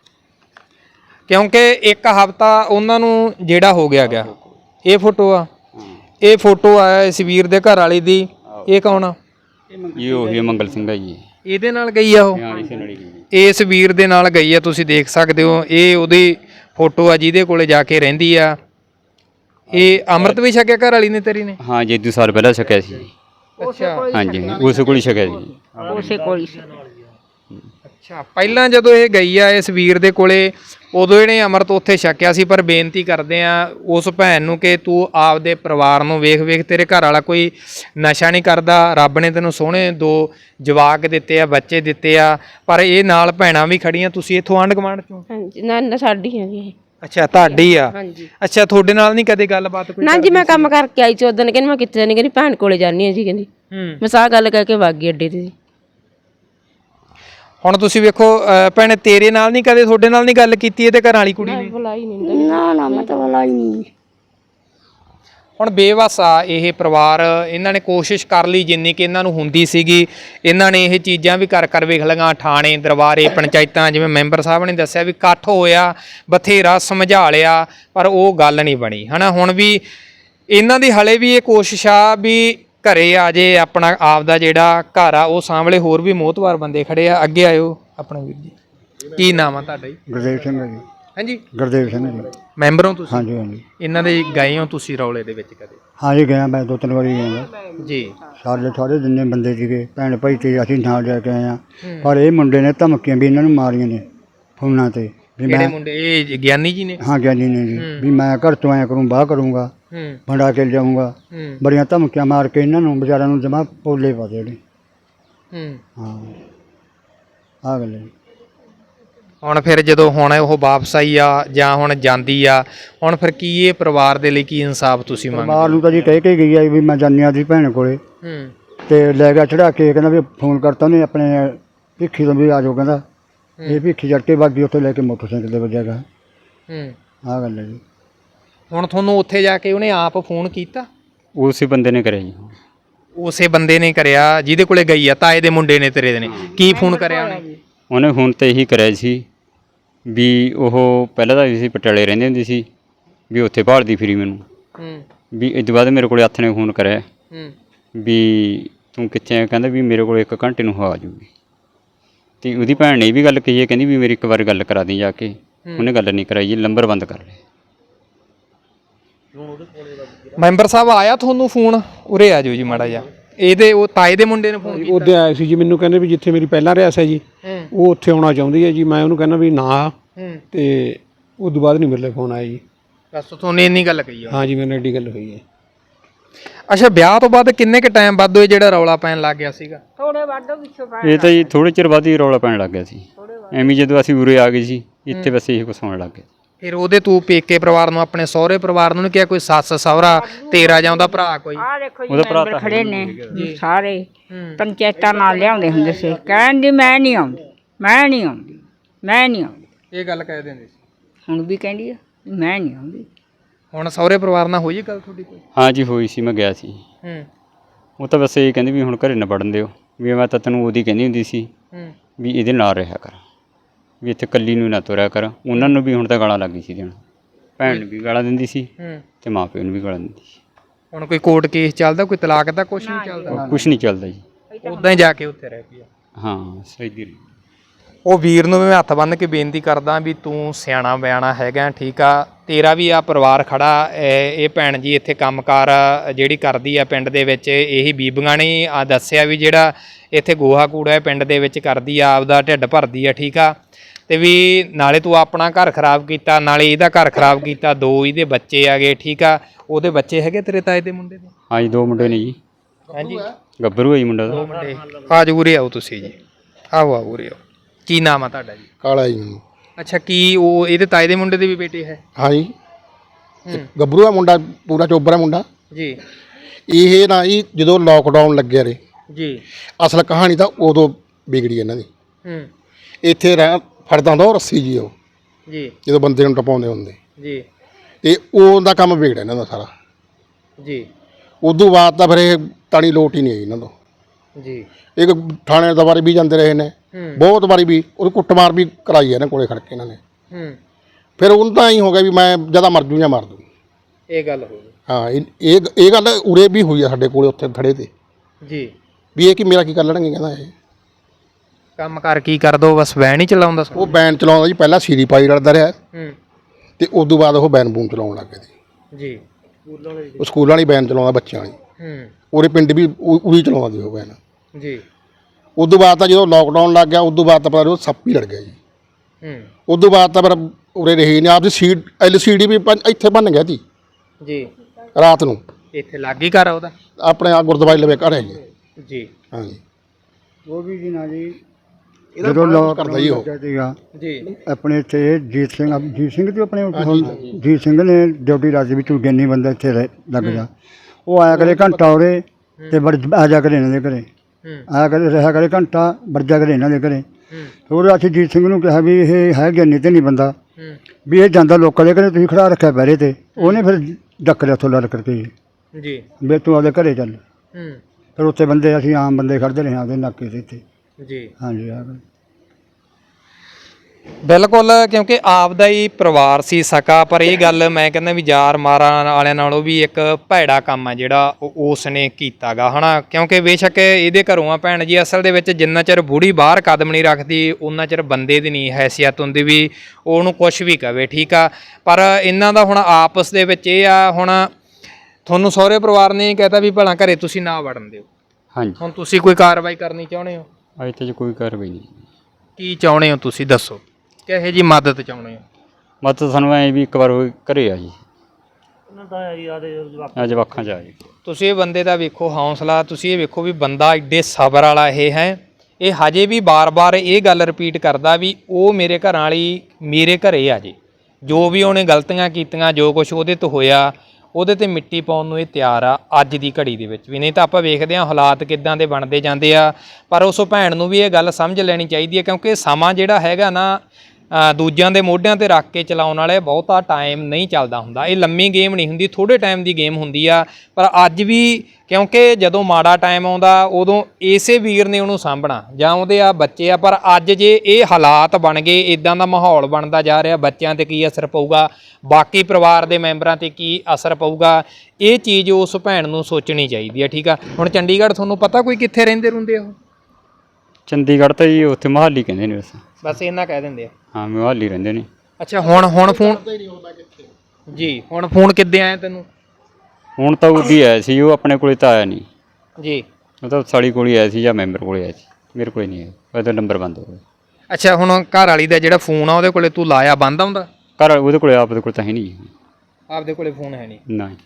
[SPEAKER 2] ਕਿਉਂਕਿ ਇੱਕ ਹਫ਼ਤਾ ਉਹਨਾਂ ਨੂੰ ਜਿਹੜਾ ਹੋ ਗਿਆ ਗਿਆ। ਇਹ ਫੋਟੋ ਆ, ਇਹ ਫੋਟੋ ਆ ਇਸ ਵੀਰ ਦੇ ਘਰ ਵਾਲੀ ਦੀ। ਇਹ ਕੌਣ ਆ?
[SPEAKER 1] ਇਹ ਉਹੀ ਮੰਗਲ ਸਿੰਘ ਆ ਜੀ,
[SPEAKER 2] ਇਹਦੇ ਨਾਲ ਗਈ ਆ ਉਹ?
[SPEAKER 1] ਹਾਂ ਇਸੇ ਨਾਲ ਹੀ ਗਈ।
[SPEAKER 2] ਇਸ ਵੀਰ ਦੇ ਨਾਲ ਗਈ ਆ, ਤੁਸੀਂ ਦੇਖ ਸਕਦੇ ਹੋ। ਇਹ ਉਹਦੀ ਫੋਟੋ ਆ ਜਿਹਦੇ ਕੋਲੇ ਜਾ ਕੇ ਰਹਿੰਦੀ ਆ। ਇਹ ਅੰਮ੍ਰਿਤ ਵੀ ਛਕਿਆ ਘਰ ਵਾਲੀ ਨੇ ਤੇਰੀ ਨੇ?
[SPEAKER 1] ਹਾਂ ਜੀ ਦੋ ਸਾਲ ਪਹਿਲਾਂ ਛਕਿਆ ਸੀ।
[SPEAKER 2] ਅੱਛਾ
[SPEAKER 1] ਹਾਂਜੀ ਉਸ ਕੋਲ ਹੀ ਛਕਿਆ ਸੀ।
[SPEAKER 7] ਉਸੇ ਕੋਲ ਹੀ।
[SPEAKER 2] ਅੱਛਾ, ਪਹਿਲਾਂ ਜਦੋਂ ਇਹ ਗਈ ਆ ਇਸ ਵੀਰ ਦੇ ਕੋਲੇ, ਉਦੋਂ ਇਹਨੇ ਅੰਮ੍ਰਿਤ ਉੱਥੇ ਛਕਿਆ ਸੀ। ਪਰ ਬੇਨਤੀ ਕਰਦੇ ਆ ਉਸ ਭੈਣ ਨੂੰ ਕਿ ਤੂੰ ਆਪਦੇ ਪਰਿਵਾਰ ਨੂੰ ਵੇਖ ਵੇਖ, ਤੇਰੇ ਘਰ ਵਾਲਾ ਕੋਈ ਨਸ਼ਾ ਨਹੀਂ ਕਰਦਾ, ਰੱਬ ਨੇ ਤੈਨੂੰ ਸੋਹਣੇ ਦੋ ਜਵਾਕ ਦਿੱਤੇ ਆ, ਬੱਚੇ ਦਿੱਤੇ ਆ। ਪਰ ਇਹ ਨਾਲ ਭੈਣਾਂ ਵੀ ਖੜੀਆਂ। ਤੁਸੀਂ ਇੱਥੋਂ ਆਂਢ ਗੁਆਂਢ ਚੋਂ?
[SPEAKER 6] ਹਾਂਜੀ, ਨਾ ਨਾ ਸਾਡੀ ਹੈਗੀ ਇਹ।
[SPEAKER 2] ਅੱਛਾ, ਤੁਹਾਡੀ ਆ?
[SPEAKER 6] ਹਾਂਜੀ।
[SPEAKER 2] ਅੱਛਾ, ਤੁਹਾਡੇ ਨਾਲ ਨਹੀਂ ਕਦੇ ਗੱਲਬਾਤ ਕੋਈ?
[SPEAKER 6] ਨਾ ਜੀ, ਮੈਂ ਕੰਮ ਕਰਕੇ ਆਈ ਸੀ ਉਦੋਂ, ਕਹਿੰਦੀ ਮੈਂ ਕਿੱਥੇ ਜਾਣੀ, ਕਹਿੰਦੀ ਭੈਣ ਕੋਲੇ ਜਾਣੀ ਆ ਜੀ, ਕਹਿੰਦੀ।
[SPEAKER 2] ਹੂੰ
[SPEAKER 6] ਮੈਂ ਸਾਹ ਗੱਲ ਕਹਿ ਕੇ ਵਗ ਗਈ ਅੱਡੇ ਤੇ ਜੀ।
[SPEAKER 2] ਹੁਣ ਤੁਸੀਂ ਵੇਖੋ ਅਹ ਭੈਣੇ ਤੇਰੇ ਨਾਲ ਨਹੀਂ ਕਦੇ ਤੁਹਾਡੇ ਨਾਲ ਨਹੀਂ ਗੱਲ ਕੀਤੀ ਇਹਦੇ ਘਰਾਂ ਵਾਲੀ ਕੁੜੀ ਨੇ?
[SPEAKER 6] ਬੁਲਾਈ ਨਹੀਂ
[SPEAKER 5] ਨਾ ਨਾ ਮੈਂ ਤਾਂ ਬੁਲਾਈ ਨਹੀਂ।
[SPEAKER 2] ਹੁਣ ਬੇਵਸ ਆ ਇਹ ਪਰਿਵਾਰ। ਇਹਨਾਂ ਨੇ ਕੋਸ਼ਿਸ਼ ਕਰ ਲਈ ਜਿੰਨੀ ਕਿ ਇਹਨਾਂ ਨੂੰ ਹੁੰਦੀ ਸੀਗੀ। ਇਹਨਾਂ ਨੇ ਇਹ ਚੀਜ਼ਾਂ ਵੀ ਕਰ ਕਰ ਵੇਖ ਲਈਆਂ, ਥਾਣੇ ਦਰਬਾਰੇ ਪੰਚਾਇਤਾਂ, ਜਿਵੇਂ ਮੈਂਬਰ ਸਾਹਿਬ ਨੇ ਦੱਸਿਆ ਵੀ ਇਕੱਠ ਹੋਇਆ, ਬਥੇਰਾ ਸਮਝਾ ਲਿਆ, ਪਰ ਉਹ ਗੱਲ ਨਹੀਂ ਬਣੀ ਹਨਾ। ਹੁਣ ਵੀ ਇਹਨਾਂ ਦੀ ਹਲੇ ਵੀ ਇਹ ਕੋਸ਼ਿਸ਼ ਆ ਵੀ ਘਰੇ ਆ ਜੇ, ਆਪਣਾ ਆਪ ਦਾ ਜਿਹੜਾ ਘਰ ਆ ਉਹ ਸਾਹਮਣੇ। ਹੋਰ ਵੀ ਮੋਹਤਵਾਰ ਬੰਦੇ ਖੜੇ ਆ, ਅੱਗੇ ਆਇਓ ਆਪਣਾ ਵੀਰ ਜੀ। ਕੀ ਨਾਮ ਆ ਤੁਹਾਡਾ ਜੀ?
[SPEAKER 3] ਗੁਰਦੇਵ ਸਿੰਘ ਜੀ।
[SPEAKER 2] ਹਾਂਜੀ,
[SPEAKER 3] ਗੁਰਦੇਵ ਸਿੰਘ ਜੀ।
[SPEAKER 2] ਮੈਂਬਰ ਹੋ ਤੁਸੀਂ?
[SPEAKER 3] ਹਾਂਜੀ ਹਾਂਜੀ
[SPEAKER 2] ਇਹਨਾਂ ਦੇ ਗਏ ਹੋ ਤੁਸੀਂ ਰੌਲੇ ਦੇ ਵਿੱਚ ਕਦੇ?
[SPEAKER 3] ਹਾਂਜੀ ਗਿਆ ਮੈਂ ਦੋ ਤਿੰਨ ਵਾਰੀ ਗਿਆ
[SPEAKER 2] ਜੀ।
[SPEAKER 3] ਸਾਡੇ ਸਾਰੇ ਜਿੰਨੇ ਬੰਦੇ ਸੀਗੇ ਭੈਣ ਭਾਈ ਤੇ ਅਸੀਂ ਨਾਲ ਜਾ ਕੇ ਆਏ ਹਾਂ। ਪਰ ਇਹ ਮੁੰਡੇ ਨੇ ਧਮਕੀਆਂ ਵੀ ਇਹਨਾਂ ਨੂੰ ਮਾਰੀਆਂ ਨੇ ਫੋਨਾਂ ਤੇ ਵੀ
[SPEAKER 2] ਕਿਹੜੇ
[SPEAKER 3] ਮੈਂ
[SPEAKER 2] ਮੁੰਡੇ? ਇਹ ਗਿਆਨੀ ਜੀ ਨੇ?
[SPEAKER 3] ਹਾਂ ਗਿਆਨੀ ਨੇ ਜੀ ਵੀ ਮੈਂ ਘਰ ਤੋਂ ਆਇਆ ਕਰੂੰ, ਬਾਹ ਕਰੂੰਗਾ,
[SPEAKER 2] ਹੂੰ
[SPEAKER 3] ਭੰਡਾ ਕੇ ਜਾਊਂਗਾ।
[SPEAKER 2] ਹੂੰ
[SPEAKER 3] ਬੜੀਆਂ ਧਮਕੀਆਂ ਮਾਰ ਕੇ ਇਹਨਾਂ ਨੂੰ ਵਿਚਾਰਿਆਂ ਨੂੰ ਜਮਾ ਪੋਲੇ ਪਾ ਦੇਣੇ।
[SPEAKER 2] ਹੂੰ
[SPEAKER 3] ਹਾਂ ਆ ਗੱਲ ਹੈ।
[SPEAKER 2] ਹੁਣ ਫਿਰ ਜਦੋਂ ਹੁਣ ਉਹ ਵਾਪਸ ਆਈ ਆ ਜਾਂ ਹੁਣ ਜਾਂਦੀ ਆ, ਹੁਣ ਫਿਰ ਕੀ ਇਹ ਪਰਿਵਾਰ ਦੇ ਲਈ ਕੀ ਇਨਸਾਫ ਤੁਸੀਂ ਮੰਗਦੇ?
[SPEAKER 3] ਪਰਿਵਾਰ ਨੂੰ ਤਾਂ ਜੀ ਕਹਿ ਕੇ ਗਈ ਆ ਵੀ ਮੈਂ ਜਾਨੀ ਆ ਦੀ ਭੈਣ ਕੋਲੇ,
[SPEAKER 2] ਹੂੰ
[SPEAKER 3] ਤੇ ਲੈ ਗਿਆ ਚੜਾ ਕੇ। ਕਹਿੰਦਾ ਵੀ ਫੋਨ ਕਰਤਾ ਉਹਨੇ ਆਪਣੇ ਭਿੱਖੀ ਤੋਂ ਵੀ ਆ ਜਾਓ, ਕਹਿੰਦਾ ਇਹ ਭਿੱਖੀ ਚੜ ਕੇ ਬਾਗੀ ਉੱਥੇ ਲੈ ਕੇ ਮੋਟਰਸਾਈਕਲ ਦੇ ਵੱਜਿਆਗਾ।
[SPEAKER 2] ਹੂੰ
[SPEAKER 3] ਆਹ ਗੱਲ ਹੈ ਜੀ।
[SPEAKER 2] ਹੁਣ ਤੁਹਾਨੂੰ ਉੱਥੇ ਜਾ ਕੇ ਉਹਨੇ ਆਪ ਫੋਨ ਕੀਤਾ?
[SPEAKER 1] ਉਸੇ ਬੰਦੇ ਨੇ ਕਰਿਆ ਜੀ।
[SPEAKER 2] ਉਸੇ ਬੰਦੇ ਨੇ ਕਰਿਆ ਜਿਹਦੇ ਕੋਲੇ ਗਈ ਆ, ਤਾਏ ਦੇ ਮੁੰਡੇ ਨੇ ਤੇਰੇ ਦੇ ਨੇ? ਕੀ ਫੋਨ ਕਰਿਆ ਉਹਨੇ?
[SPEAKER 1] ਉਹਨੇ ਫੋਨ ਤੇ ਇਹੀ ਕਰਿਆ ਸੀ ਵੀ ਉਹ ਪਹਿਲਾਂ ਤਾਂ ਅਸੀਂ ਪਟਿਆਲੇ ਰਹਿੰਦੇ ਹੁੰਦੇ ਸੀ, ਵੀ ਉੱਥੇ ਭਾਲਦੀ ਫਿਰੀ ਮੈਨੂੰ।
[SPEAKER 2] ਹੂੰ
[SPEAKER 1] ਵੀ ਇਸ ਤੋਂ ਬਾਅਦ ਮੇਰੇ ਕੋਲੇ ਹੱਥ ਨੇ ਫੋਨ ਕਰਿਆ
[SPEAKER 2] ਹੂੰ
[SPEAKER 1] ਵੀ ਤੂੰ ਕਿੱਥੇ ਆ? ਕਹਿੰਦਾ ਵੀ ਮੇਰੇ ਕੋਲ ਇੱਕ ਘੰਟੇ ਨੂੰ ਆ ਜਾਊਗੀ। ਤੇ ਉਹਦੀ ਭੈਣ ਨੇ ਇਹ ਵੀ ਗੱਲ ਕਹੀ ਹੈ, ਕਹਿੰਦੀ ਵੀ ਮੇਰੀ ਇੱਕ ਵਾਰ ਗੱਲ ਕਰਾ ਦੀ ਜਾ ਕੇ। ਉਹਨੇ ਗੱਲ ਨਹੀਂ ਕਰਾਈ ਜੀ, ਨੰਬਰ ਬੰਦ ਕਰ ਲਿਆ।
[SPEAKER 2] ਮੈਂਬਰ ਸਾਹਿਬ ਆਇਆ ਤੁਹਾਨੂੰ ਫੋਨ? ਉਰੇ ਆ ਜਾਓ ਜੀ ਮਾੜਾ ਜਿਹਾ। ਇਹਦੇ ਉਹ ਤਾਏ ਦੇ ਮੁੰਡੇ ਨੇ ਫੋਨ ਕੀਤਾ?
[SPEAKER 8] ਉਹਦੇ ਆਏ ਸੀ ਜੀ, ਮੈਨੂੰ ਕਹਿੰਦੇ ਵੀ ਜਿੱਥੇ ਮੇਰੀ ਪਹਿਲਾਂ ਰਿਹਾਇਸ਼ ਹੈ ਜੀ ਉਹ ਉੱਥੇ ਆਉਣਾ ਚਾਹੁੰਦੀ ਹੈ ਜੀ। ਮੈਂ ਉਹਨੂੰ ਕਹਿੰਦਾ ਵੀ ਨਾ, ਤੇ ਉਸ ਤੋਂ ਬਾਅਦ ਨਹੀਂ ਮੇਰੇ ਲਈ ਫੋਨ ਆਇਆ ਜੀ।
[SPEAKER 2] ਬਸ ਤੁਹਾਨੂੰ ਇੰਨੀ ਗੱਲ ਕਹੀ ਆ?
[SPEAKER 8] ਹਾਂ ਜੀ, ਮੇਰੇ ਨਾਲ ਐਡੀ ਗੱਲ ਹੋਈ ਹੈ।
[SPEAKER 2] ਅੱਛਾ, ਵਿਆਹ ਤੋਂ ਬਾਅਦ ਕਿੰਨੇ ਕ ਟਾਈਮ ਬਾਅਦ ਇਹ ਜਿਹੜਾ ਰੌਲਾ ਪੈਣ ਲੱਗ ਗਿਆ ਸੀਗਾ?
[SPEAKER 7] ਥੋੜੇ ਵਾਢੋ ਪਿੱਛੋਂ ਪੈ
[SPEAKER 1] ਇਹ ਤਾਂ ਜੀ ਥੋੜੇ ਚਿਰ ਬਾਅਦ ਹੀ ਰੌਲਾ ਪੈਣ ਲੱਗ ਗਿਆ ਸੀ। ਐਵੇਂ ਜਦੋਂ ਅਸੀਂ ਉਰੇ ਆ ਗਏ ਸੀ ਇੱਥੇ ਬਸ ਇਹੀ ਕੁਛ ਹੋਣ ਲੱਗ ਗਿਆ।
[SPEAKER 2] ਫਿਰ ਉਹਦੇ ਤੂੰ ਪੇਕੇ ਪਰਿਵਾਰ ਨੂੰ, ਆਪਣੇ ਸਹੁਰੇ ਪਰਿਵਾਰ ਨੂੰ ਨੀ ਕਿਹਾ ਕੋਈ ਸੱਸ ਸਹੁਰਾ ਤੇਰਾ ਜਾਂ ਉਹਦਾ ਭਰਾ ਕੋਈ?
[SPEAKER 7] ਆ ਦੇਖੋ ਜੀ
[SPEAKER 1] ਉਹਦਾ ਭਰਾ
[SPEAKER 7] ਮੈਂਬਰ
[SPEAKER 1] ਤਾਂ
[SPEAKER 7] ਖੜੇ ਨੇ ਸਾਰੇ, ਪੰਚਾਇਤਾਂ ਨਾਲ ਲਿਆਉਂਦੇ ਹੁੰਦੇ ਸੀ। ਕਹਿੰਦੀ ਮੈਂ ਨਹੀਂ ਆਉਂਦੀ, ਮੈਂ ਨਹੀਂ ਆਉਂਦੀ, ਮੈਂ ਨਹੀਂ ਆਉਂਦੀ।
[SPEAKER 2] ਇਹ ਗੱਲ ਕਹਿ ਦਿੰਦੇ ਸੀ?
[SPEAKER 7] ਹੁਣ ਵੀ ਕਹਿੰਦੀ ਆ ਮੈਂ ਨਹੀਂ ਆਉਂਦੀ।
[SPEAKER 2] ਹੁਣ ਸਹੁਰੇ ਪਰਿਵਾਰ ਨਾਲ ਹੋਈ ਗੱਲ ਤੁਹਾਡੀ ਕੋਈ?
[SPEAKER 1] ਹਾਂ ਜੀ ਹੋਈ ਸੀ, ਮੈਂ ਗਿਆ ਸੀ।
[SPEAKER 2] ਹੂੰ
[SPEAKER 1] ਉਹ ਤਾਂ ਬਸ ਇਹ ਕਹਿੰਦੀ ਵੀ ਹੁਣ ਘਰੇ ਨਾ ਵੜਨ ਦਿਓ, ਵੀ ਮੈਂ ਤਾਂ ਤੈਨੂੰ ਉਹਦੀ ਕਹਿੰਦੀ ਹੁੰਦੀ ਸੀ
[SPEAKER 2] ਹੂੰ
[SPEAKER 1] ਵੀ ਇਹਦੇ ਨਾਲ ਰਿਹਾ ਕਰ, ਵੀ ਇੱਥੇ ਇਕੱਲੀ ਨੂੰ ਨਾ ਤੁਰਿਆ ਕਰ। ਉਹਨਾਂ ਨੂੰ ਵੀ ਹੁਣ ਤਾਂ ਗਾਲਾਂ ਲੱਗ ਗਈ ਸੀ ਦੇਣ, ਭੈਣ ਨੂੰ ਵੀ ਗਾਲਾਂ ਦਿੰਦੀ ਸੀ
[SPEAKER 2] ਹੂੰ
[SPEAKER 1] ਤੇ ਮਾਂ ਪਿਓ ਨੂੰ ਵੀ ਗਾਲਾਂ ਦਿੰਦੀ ਸੀ।
[SPEAKER 2] ਹੁਣ ਕੋਈ ਕੋਰਟ ਕੇਸ ਚੱਲਦਾ, ਕੋਈ ਤਲਾਕ ਦਾ ਕੁਛ ਨਹੀਂ ਚੱਲਦਾ?
[SPEAKER 1] ਕੁਛ ਨਹੀਂ ਚੱਲਦਾ ਜੀ।
[SPEAKER 2] ਉਦਾਂ ਹੀ ਜਾ ਕੇ ਉੱਥੇ ਰਹਿ ਪਿਆ।
[SPEAKER 1] ਹਾਂ ਸਹੀ ਦੀ ਰਹੀ।
[SPEAKER 2] ਉਹ ਵੀਰ ਨੂੰ ਮੈਂ ਹੱਥ ਬੰਨ੍ਹ ਕੇ ਬੇਨਤੀ ਕਰਦਾ ਵੀ ਤੂੰ ਸਿਆਣਾ ਬਿਆਣਾ ਹੈਗਾ, ਠੀਕ ਆ, ਤੇਰਾ ਵੀ ਆ ਪਰਿਵਾਰ ਖੜਾ। ਇਹ ਇਹ ਭੈਣ ਜੀ ਇੱਥੇ ਕੰਮਕਾਰ ਜਿਹੜੀ ਕਰਦੀ ਆ ਪਿੰਡ ਦੇ ਵਿੱਚ, ਇਹੀ ਬੀਬੀਆਂ ਨੇ ਆ ਦੱਸਿਆ ਵੀ ਜਿਹੜਾ ਇੱਥੇ ਗੋਹਾ ਕੂੜਾ ਪਿੰਡ ਦੇ ਵਿੱਚ ਕਰਦੀ ਆ, ਆਪਦਾ ਢਿੱਡ ਭਰਦੀ ਆ, ਠੀਕ ਆ। ਤੇ ਵੀ ਨਾਲੇ ਤੂੰ ਆਪਣਾ ਘਰ ਖਰਾਬ ਕੀਤਾ, ਨਾਲੇ ਇਹਦਾ ਘਰ ਖਰਾਬ ਕੀਤਾ। ਦੋ ਇਹਦੇ ਬੱਚੇ ਆਗੇ, ਠੀਕ ਆ। ਉਹਦੇ ਬੱਚੇ ਹੈਗੇ ਤੇਰੇ ਤਾਏ ਦੇ ਮੁੰਡੇ ਦੇ?
[SPEAKER 1] ਹਾਂ ਜੀ ਦੋ ਮੁੰਡੇ ਨੇ ਜੀ।
[SPEAKER 2] ਹਾਂਜੀ,
[SPEAKER 1] ਗੱਭਰੂ ਹੈ ਜੀ ਮੁੰਡਾ
[SPEAKER 2] ਦੋ
[SPEAKER 1] ਦਾ।
[SPEAKER 2] ਮੁੰਡੇ। ਆ ਜਾਓ ਉਰੇ ਆਓ ਤੁਸੀਂ ਜੀ, ਆਓ ਆਓ ਉਰੇ ਆਓ। ਕੀ ਨਾਮ ਆ ਤੁਹਾਡਾ ਜੀ?
[SPEAKER 4] ਕਾਲਾ ਜੀ ਮੈਨੂੰ।
[SPEAKER 2] ਅੱਛਾ, ਕੀ ਉਹ ਇਹਦੇ ਤਾਏ ਦੇ ਮੁੰਡੇ ਦੇ ਵੀ ਬੇਟੇ ਹੈ?
[SPEAKER 4] ਹਾਂ ਜੀ, ਗੱਭਰੂ ਆ ਮੁੰਡਾ, ਪੂਰਾ ਚੋਬਰਾ ਮੁੰਡਾ
[SPEAKER 2] ਜੀ
[SPEAKER 4] ਇਹ ਨਾ ਜੀ। ਜਦੋਂ ਲੋਕਡਾਊਨ ਲੱਗਿਆ ਰੇ
[SPEAKER 2] ਜੀ,
[SPEAKER 4] ਅਸਲ ਕਹਾਣੀ ਤਾਂ ਉਦੋਂ ਵਿਗੜੀ ਇਹਨਾਂ ਦੀ।
[SPEAKER 2] ਹੂੰ
[SPEAKER 4] ਇੱਥੇ ਰਹਿ ਫੜਦਾ ਹੁੰਦਾ ਉਹ ਰੱਸੀ ਜੀ, ਉਹ
[SPEAKER 2] ਜੀ
[SPEAKER 4] ਜਦੋਂ ਬੰਦੇ ਨੂੰ ਟਪਾਉਂਦੇ ਹੁੰਦੇ,
[SPEAKER 2] ਜੀ
[SPEAKER 4] ਤੇ ਉਹਦਾ ਕੰਮ ਵਿਗੜਿਆ ਇਹਨਾਂ ਦਾ ਸਾਰਾ।
[SPEAKER 2] ਜੀ
[SPEAKER 4] ਉਦੋਂ ਬਾਅਦ ਤਾਂ ਫਿਰ ਇਹ ਤਾਣੀ ਲੋਟ ਹੀ ਨਹੀਂ ਆਈ ਇਹਨਾਂ ਤੋਂ।
[SPEAKER 2] ਜੀ
[SPEAKER 4] ਇੱਕ ਥਾਣੇ ਦਾ ਵਾਰੀ ਵੀ ਜਾਂਦੇ ਰਹੇ ਨੇ,
[SPEAKER 2] ਹੂੰ
[SPEAKER 4] ਬਹੁਤ ਵਾਰੀ ਵੀ ਉਹਦੀ ਕੁੱਟਮਾਰ ਵੀ ਕਰਾਈ ਹੈ ਇਹਨਾਂ ਕੋਲੇ ਖੜ ਕੇ ਇਹਨਾਂ ਨੇ।
[SPEAKER 2] ਹੂੰ
[SPEAKER 4] ਫਿਰ ਉਹਨਾਂ ਤਾਂ ਹੀ ਹੋ ਗਿਆ ਵੀ ਮੈਂ ਜਿਆਦਾ ਮਰ ਜੂ ਜਾਂ ਮਾਰ ਦੂੰ।
[SPEAKER 2] ਇਹ ਗੱਲ ਹੋ ਗਈ
[SPEAKER 4] ਹਾਂ, ਇਹ ਇਹ ਇਹ ਗੱਲ ਉਰੇ ਵੀ ਹੋਈ ਆ ਸਾਡੇ ਕੋਲੇ ਉੱਥੇ ਥੜੇ ਤੇ,
[SPEAKER 2] ਜੀ।
[SPEAKER 4] ਵੀ ਇਹ ਕੀ ਮੇਰਾ ਕੀ ਕਰ ਲੈਣਗੇ, ਕਹਿੰਦਾ ਇਹ
[SPEAKER 2] ਕੰਮ ਕਰ ਕੀ ਕਰ ਦੋ, ਬਸ ਵੈਨ ਹੀ ਚਲਾਉਂਦਾ?
[SPEAKER 4] ਉਹ ਬੈਨ ਚਲਾਉਂਦਾ ਜੀ, ਪਹਿਲਾਂ ਸੀਰੀ ਪਾਈ ਲੜਦਾ ਰਿਹਾ,
[SPEAKER 2] ਹੂੰ
[SPEAKER 4] ਤੇ ਉਸ ਤੋਂ ਬਾਅਦ ਉਹ ਬੈਨ ਬੂਨ ਚਲਾਉਣ ਲੱਗ ਗਿਆ ਜੀ।
[SPEAKER 2] ਜੀ
[SPEAKER 4] ਉਹ ਸਕੂਲਾਂ ਵਾਲੀ ਬੈਨ ਚਲਾਉਂਦਾ, ਬੱਚਿਆਂ ਵਾਲੀ।
[SPEAKER 2] ਹੂੰ
[SPEAKER 4] ਉਹਦੇ ਪਿੰਡ ਵੀ ਉਹੀ ਚਲਾਉਂਦਾ ਸੀ ਉਹ ਬੈਨ।
[SPEAKER 2] ਜੀ
[SPEAKER 4] ਉਸ ਤੋਂ ਬਾਅਦ ਤਾਂ ਜਦੋਂ ਲੋਕਡਾਊਨ ਲੱਗ ਗਿਆ, ਉਸ ਤੋਂ ਬਾਅਦ ਤਾਂ ਪਰ ਉਹ ਸੱਪ ਹੀ ਲੜ ਗਿਆ ਜੀ।
[SPEAKER 2] ਹੂੰ
[SPEAKER 4] ਉਸ ਤੋਂ ਬਾਅਦ ਤਾਂ ਫਿਰ ਉਰੇ ਰਹੀ ਨਹੀਂ। ਆਪਦੀ ਸੀਟ ਐਲ ਸੀ ਡੀ ਵੀ ਬਣ- ਇੱਥੇ ਬਣ ਗਿਆ ਸੀ
[SPEAKER 2] ਜੀ।
[SPEAKER 4] ਰਾਤ ਨੂੰ।
[SPEAKER 2] ਇੱਥੇ ਲੱਗ ਹੀ ਘਰ ਆ ਉਹਦਾ?
[SPEAKER 4] ਆਪਣੇ ਆ ਗੁਰਦੁਆਰੇ ਲਵੇ ਘਰ ਹੈ ਜੀ।
[SPEAKER 2] ਜੀ
[SPEAKER 4] ਹਾਂਜੀ,
[SPEAKER 3] ਉਹ ਵੀ ਜੀ ਨਾ ਜੀ
[SPEAKER 4] ਇਹਦਾ
[SPEAKER 3] ਜਦੋਂ
[SPEAKER 4] ਬੜਾ ਕੁਛ
[SPEAKER 3] ਲੋਕ
[SPEAKER 4] ਕਰਦਾ ਜੀ ਉਹ।
[SPEAKER 3] ਸੀਗਾ
[SPEAKER 2] ਜੀ
[SPEAKER 3] ਆਪਣੇ ਇੱਥੇ ਜੀਤ ਸਿੰਘ ਜੀਤ ਸਿੰਘ ਤੇ ਆਪਣੇ ਜੀਤ ਸਿੰਘ ਨੇ ਡਿਊਟੀ ਰਾਜ ਵਿੱਚ ਗਿਆਨੀ ਬੰਦਾ ਇੱਥੇ ਰਹਿ- ਲੱਗ ਜਾ। ਉਹ ਆਇਆ ਕਰੇ ਘੰਟਾ ਉਰੇ ਤੇ ਵੜ ਆ ਜਾ ਕਰੇ ਇਹਨਾਂ ਦੇ ਘਰੇ,
[SPEAKER 2] ਹੂੰ
[SPEAKER 3] ਆਇਆ ਕਰੇ ਰਿਹਾ ਕਰੇ ਘੰਟਾ ਵੜ ਜਾ ਕਰੇ ਇਹਨਾਂ ਦੇ ਘਰੇ। ਹੋਰ ਅਸੀਂ ਜੀਤ ਸਿੰਘ ਨੂੰ ਕਿਹਾ ਵੀ ਇਹ ਹੈ ਗਿਆਨੀ ਤੇ ਨਹੀਂ ਬੰਦਾ, ਵੀ ਇਹ ਜਾਂਦਾ ਲੋਕਾਂ ਦੇ ਘਰੇ, ਤੁਸੀਂ ਖੜਾ ਰੱਖਿਆ ਬਹਿਰੇ ਤੇ। ਉਹਨੇ ਫਿਰ ਡੱਕ ਲਿਆ ਉੱਥੋਂ ਲੜ ਕਰਕੇ
[SPEAKER 2] ਜੀ
[SPEAKER 3] ਵੀ ਤੂੰ ਆਪਦੇ ਘਰੇ ਚੱਲ।
[SPEAKER 2] ਹੂੰ
[SPEAKER 3] ਫਿਰ ਉੱਥੇ ਬੰਦੇ ਅਸੀਂ ਆਮ ਬੰਦੇ ਖੜਦੇ ਰਹੇ ਆਪਦੇ ਨਾਕੇ ਦੇ ਇੱਥੇ।
[SPEAKER 2] ਜੀ
[SPEAKER 3] ਹਾਂਜੀ ਆ ਗੱਲ।
[SPEAKER 2] ਬਿਲਕੁਲ, ਕਿਉਂਕਿ ਆਪ ਦਾ ਹੀ ਪਰਿਵਾਰ ਸੀ ਸਕਾ, ਪਰ ਇਹ ਗੱਲ ਮੈਂ ਕਹਿੰਦਾ ਵੀ ਯਾਰ ਮਾਰਾਂ ਵਾਲਿਆਂ ਨਾਲੋਂ ਵੀ ਇੱਕ ਭੈੜਾ ਕੰਮ ਆ ਜਿਹੜਾ ਉਹ ਉਸ ਨੇ ਕੀਤਾਗਾ ਹਨਾ। ਕਿਉਂਕਿ ਬੇਸ਼ੱਕ ਇਹਦੇ ਘਰੋਂ ਆ ਭੈਣ ਜੀ, ਅਸਲ ਦੇ ਵਿੱਚ ਜਿੰਨਾ ਚਿਰ ਬੁੜੀ ਬਾਹਰ ਕਦਮ ਨਹੀਂ ਰੱਖਦੀ ਉਹਨਾਂ ਚਿਰ ਬੰਦੇ ਦੀ ਨਹੀਂ ਹੈਸੀਅਤ ਹੁੰਦੀ ਵੀ ਉਹਨੂੰ ਕੁਝ ਵੀ ਕਵੇ, ਠੀਕ ਆ। ਪਰ ਇਹਨਾਂ ਦਾ ਹੁਣ ਆਪਸ ਦੇ ਵਿੱਚ ਇਹ ਆ, ਹੁਣ ਤੁਹਾਨੂੰ ਸਹੁਰੇ ਪਰਿਵਾਰ ਨੇ ਕਹਿਤਾ ਵੀ ਭਲਾ ਘਰੇ ਤੁਸੀਂ ਨਾ ਵੜਨ ਦਿਓ,
[SPEAKER 1] ਹਾਂਜੀ
[SPEAKER 2] ਹੁਣ ਤੁਸੀਂ ਕੋਈ ਕਾਰਵਾਈ ਕਰਨੀ ਚਾਹੁੰਦੇ ਹੋ?
[SPEAKER 1] ਅਜੇ ਤੱਕ ਕੋਈ ਕਾਰਵਾਈ ਨਹੀਂ।
[SPEAKER 2] ਕੀ ਚਾਹੁੰਦੇ ਹੋ ਤੁਸੀਂ ਦੱਸੋ, ਕਿਹੋ ਜਿਹੀ ਮਦਦ ਚਾਹੁੰਦੇ ਹੋ?
[SPEAKER 1] ਮਤਲਬ ਸਾਨੂੰ ਐਂ ਵੀ ਇੱਕ ਵਾਰ ਉਹ ਘਰੇ ਆ ਜੀ, ਅੱਜ ਵੱਖਾਂ 'ਚ ਆ ਜੀ।
[SPEAKER 2] ਤੁਸੀਂ ਇਹ ਬੰਦੇ ਦਾ ਵੇਖੋ ਹੌਸਲਾ, ਤੁਸੀਂ ਇਹ ਵੇਖੋ ਵੀ ਬੰਦਾ ਏਡੇ ਸਬਰ ਵਾਲਾ ਇਹ ਹੈ। ਇਹ ਹਜੇ ਵੀ ਬਾਰ-ਬਾਰ ਇਹ ਗੱਲ ਰਿਪੀਟ ਕਰਦਾ ਵੀ ਉਹ ਮੇਰੇ ਘਰਾਂ ਵਾਲੀ ਮੇਰੇ ਘਰੇ ਆ ਜੀ, ਜੋ ਵੀ ਉਹਨੇ ਗਲਤੀਆਂ ਕੀਤੀਆਂ, ਜੋ ਕੁਝ ਉਹਦੇ ਤੋਂ ਹੋਇਆ, ਉਹਦੇ ਤੇ ਮਿੱਟੀ ਪਾਉਣ ਨੂੰ ਇਹ ਤਿਆਰ ਆ ਅੱਜ ਦੀ ਘੜੀ ਦੇ ਵਿੱਚ ਵੀ। ਨਹੀਂ ਤਾਂ ਆਪਾਂ ਵੇਖਦੇ ਹਾਂ ਹਾਲਾਤ ਕਿੱਦਾਂ ਦੇ ਬਣਦੇ ਜਾਂਦੇ ਆ। ਪਰ ਉਸ ਭੈਣ ਨੂੰ ਵੀ ਇਹ ਗੱਲ ਸਮਝ ਲੈਣੀ ਚਾਹੀਦੀ ਹੈ, ਕਿਉਂਕਿ ਸਮਾਂ ਜਿਹੜਾ ਹੈਗਾ ਨਾ ਦੂਜਿਆਂ ਦੇ ਮੋਢਿਆਂ ਤੇ ਰੱਖ ਕੇ ਚਲਾਉਣ ਵਾਲੇ ਬਹੁਤਾ ਟਾਈਮ ਨਹੀਂ ਚੱਲਦਾ ਹੁੰਦਾ। ਇਹ ਲੰਮੀ ਗੇਮ ਨਹੀਂ ਹੁੰਦੀ, ਥੋੜ੍ਹੇ ਟਾਈਮ ਦੀ ਗੇਮ ਹੁੰਦੀ ਆ। ਪਰ ਅੱਜ ਵੀ ਕਿਉਂਕਿ ਜਦੋਂ ਮਾੜਾ ਟਾਈਮ ਆਉਂਦਾ ਉਦੋਂ ਇਸੇ ਵੀਰ ਨੇ ਉਹਨੂੰ ਸਾਂਭਣਾ, ਜਾਂ ਉਹਦੇ ਆ ਬੱਚੇ ਆ। ਪਰ ਅੱਜ ਜੇ ਇਹ ਹਾਲਾਤ ਬਣ ਗਏ, ਇਦਾਂ ਦਾ ਮਾਹੌਲ ਬਣਦਾ ਜਾ ਰਿਹਾ, ਬੱਚਿਆਂ ਤੇ ਕੀ ਅਸਰ ਪਊਗਾ, ਬਾਕੀ ਪਰਿਵਾਰ ਦੇ ਮੈਂਬਰਾਂ ਤੇ ਕੀ ਅਸਰ ਪਊਗਾ, ਇਹ ਚੀਜ਼ ਉਸ ਭੈਣ ਨੂੰ ਸੋਚਣੀ ਚਾਹੀਦੀ ਹੈ, ਠੀਕ ਆ। ਹੁਣ ਚੰਡੀਗੜ੍ਹ ਤੁਹਾਨੂੰ ਪਤਾ ਕੋਈ ਕਿੱਥੇ ਰਹਿੰਦੇ ਰਹਿੰਦੇ ਉਹ?
[SPEAKER 1] ਚੰਡੀਗੜ੍ਹ ਤਾਂ ਜੀ ਉੱਥੇ ਮੋਹਾਲੀ ਕਹਿੰਦੇ ਨੇ ਬਸ।
[SPEAKER 2] ਬਸ ਇਹਨਾਂ ਕਹਿ ਦਿੰਦੇ ਆ।
[SPEAKER 1] ਹਾਂ ਮੋਹਾਲੀ ਰਹਿੰਦੇ ਨੇ।
[SPEAKER 2] ਅੱਛਾ, ਹੁਣ ਹੁਣ ਫੋਨ ਜੀ, ਹੁਣ ਫੋਨ ਕਿੱਦੇ ਆਇਆ ਤੈਨੂੰ?
[SPEAKER 1] ਹੁਣ ਤਾਂ ਉਹਦੀ ਆਇਆ ਸੀ, ਉਹ ਆਪਣੇ ਕੋਲੇ ਤਾਂ ਆਇਆ ਨਹੀਂ
[SPEAKER 2] ਜੀ।
[SPEAKER 1] ਉਹ ਤਾਂ ਸਾਲੀ ਕੋਲ ਹੀ ਆਇਆ ਸੀ ਜਾਂ ਮੈਂਬਰ ਕੋਲੇ ਆਇਆ ਸੀ, ਮੇਰੇ ਕੋਲੇ ਨਹੀਂ ਆਇਆ, ਉਹਦਾ ਨੰਬਰ ਬੰਦ ਹੋ ਗਿਆ।
[SPEAKER 2] ਅੱਛਾ, ਹੁਣ ਘਰ ਵਾਲੀ ਦਾ ਜਿਹੜਾ ਫੋਨ ਆ ਉਹਦੇ ਕੋਲੇ ਤੂੰ ਲਾਇਆ, ਬੰਦ ਆਉਂਦਾ?
[SPEAKER 1] ਘਰ ਉਹਦੇ ਕੋਲੇ ਆਪ ਦੇ ਕੋਲ ਤਾਂ ਹੈ ਨਹੀਂ।
[SPEAKER 2] ਆਪਦੇ ਕੋਲੇ ਫੋਨ ਹੈ ਨਹੀਂ?
[SPEAKER 1] ਨਾ ਜੀ,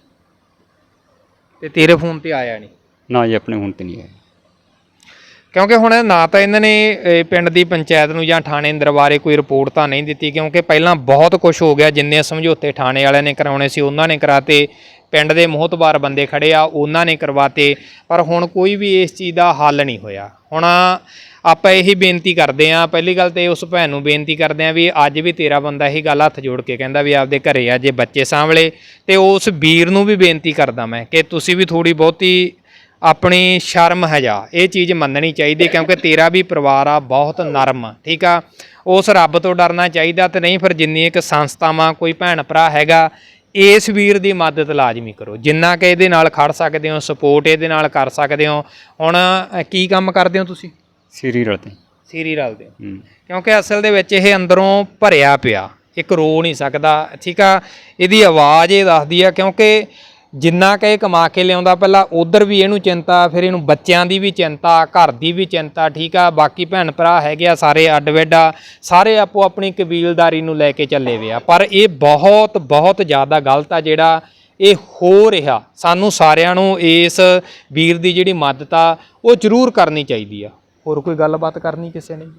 [SPEAKER 2] ਤੇ ਤੇਰੇ ਫੋਨ ਤੇ ਆਇਆ ਨਹੀਂ?
[SPEAKER 1] ਨਾ ਜੀ, ਆਪਣੇ ਹੁਣ ਤੇ ਨਹੀਂ ਆਇਆ।
[SPEAKER 2] ਕਿਉਂਕਿ ਹੁਣ ਨਾ ਤਾਂ ਇਹਨਾਂ ਨੇ ਪਿੰਡ ਦੀ ਪੰਚਾਇਤ ਨੂੰ ਜਾਂ ਥਾਣੇ ਦਰਬਾਰੇ ਕੋਈ ਰਿਪੋਰਟ ਤਾਂ ਨਹੀਂ ਦਿੱਤੀ, ਕਿਉਂਕਿ ਪਹਿਲਾਂ ਬਹੁਤ ਕੁਝ ਹੋ ਗਿਆ। ਜਿੰਨੇ ਸਮਝੌਤੇ ਥਾਣੇ ਵਾਲਿਆਂ ਨੇ ਕਰਾਉਣੇ ਸੀ ਉਹਨਾਂ ਨੇ ਕਰਾਤੇ, ਪਿੰਡ ਦੇ ਮੋਹਤਬਾਰ ਬੰਦੇ ਖੜੇ ਆ ਉਹਨਾਂ ਨੇ ਕਰਵਾਤੇ, ਪਰ ਹੁਣ ਕੋਈ ਵੀ ਇਸ ਚੀਜ਼ ਦਾ ਹੱਲ ਨਹੀਂ ਹੋਇਆ। ਹੁਣ ਆਪਾਂ ਇਹੀ ਬੇਨਤੀ ਕਰਦੇ ਹਾਂ, ਪਹਿਲੀ ਗੱਲ ਤੇ ਉਸ ਭੈਣ ਨੂੰ ਬੇਨਤੀ ਕਰਦੇ ਹਾਂ ਵੀ ਅੱਜ ਵੀ ਤੇਰਾ ਬੰਦਾ ਇਹੀ ਗੱਲ ਹੱਥ ਜੋੜ ਕੇ ਕਹਿੰਦਾ ਵੀ ਆਪਦੇ ਘਰੇ ਆ ਜੇ ਬੱਚੇ ਸਾਂਭਲੇ, ਤੇ ਉਸ ਵੀਰ ਨੂੰ ਵੀ ਬੇਨਤੀ ਕਰਦਾ ਮੈਂ ਕਿ ਤੁਸੀਂ ਵੀ ਥੋੜ੍ਹੀ ਬਹੁਤੀ ਆਪਣੀ ਸ਼ਰਮ ਹਜਾ ਇਹ ਚੀਜ਼ ਮੰਨਣੀ ਚਾਹੀਦੀ, ਕਿਉਂਕਿ ਤੇਰਾ ਵੀ ਪਰਿਵਾਰ ਆ ਬਹੁਤ ਨਰਮ, ਠੀਕ ਆ। ਉਸ ਰੱਬ ਤੋਂ ਡਰਨਾ ਚਾਹੀਦਾ, ਤੇ ਨਹੀਂ ਫਿਰ ਜਿੰਨੀ ਇੱਕ ਸੰਸਥਾਵਾਂ ਕੋਈ ਭੈਣ ਭਰਾ ਹੈਗਾ, ਇਸ ਵੀਰ ਦੀ ਮਦਦ ਲਾਜ਼ਮੀ ਕਰੋ ਜਿੰਨਾ ਕਿ ਇਹਦੇ ਨਾਲ ਖੜ ਸਕਦੇ ਹੋ, ਸਪੋਰਟ ਇਹਦੇ ਨਾਲ ਕਰ ਸਕਦੇ ਹੋ। ਹੁਣ ਕੀ ਕੰਮ ਕਰਦੇ ਹੋ ਤੁਸੀਂ?
[SPEAKER 1] ਸੀਰੀ ਰਲਦੇ
[SPEAKER 2] ਸੀਰੀ ਰਲਦੇ ਹੋ, ਕਿਉਂਕਿ ਅਸਲ ਦੇ ਵਿੱਚ ਇਹ ਅੰਦਰੋਂ ਭਰਿਆ ਪਿਆ, ਇੱਕ ਰੋ ਨਹੀਂ ਸਕਦਾ, ਠੀਕ ਆ। ਇਹਦੀ ਆਵਾਜ਼ ਇਹ ਦੱਸਦੀ ਆ, ਕਿਉਂਕਿ ਜਿੰਨਾ ਕਿ ਇਹ ਕਮਾ ਕੇ ਲਿਆਉਂਦਾ, ਪਹਿਲਾਂ ਉਧਰ ਵੀ ਇਹਨੂੰ ਚਿੰਤਾ, ਫਿਰ ਇਹਨੂੰ ਬੱਚਿਆਂ ਦੀ ਵੀ ਚਿੰਤਾ, ਘਰ ਦੀ ਵੀ ਚਿੰਤਾ, ਠੀਕ ਆ। ਬਾਕੀ ਭੈਣ ਭਰਾ ਹੈਗੇ ਆ ਸਾਰੇ ਅੱਡ ਵਿੱਡ ਆ, ਸਾਰੇ ਆਪੋ ਆਪਣੀ ਕਬੀਲਦਾਰੀ ਨੂੰ ਲੈ ਕੇ ਚੱਲੇ ਵੇ ਆ। ਪਰ ਇਹ ਬਹੁਤ ਬਹੁਤ ਜ਼ਿਆਦਾ ਗਲਤ ਆ ਜਿਹੜਾ ਇਹ ਹੋ ਰਿਹਾ। ਸਾਨੂੰ ਸਾਰਿਆਂ ਨੂੰ ਇਸ ਵੀਰ ਦੀ ਜਿਹੜੀ ਮਦਦ ਆ ਉਹ ਜ਼ਰੂਰ ਕਰਨੀ ਚਾਹੀਦੀ ਆ। ਹੋਰ ਕੋਈ ਗੱਲਬਾਤ ਕਰਨੀ ਕਿਸੇ ਨੇ?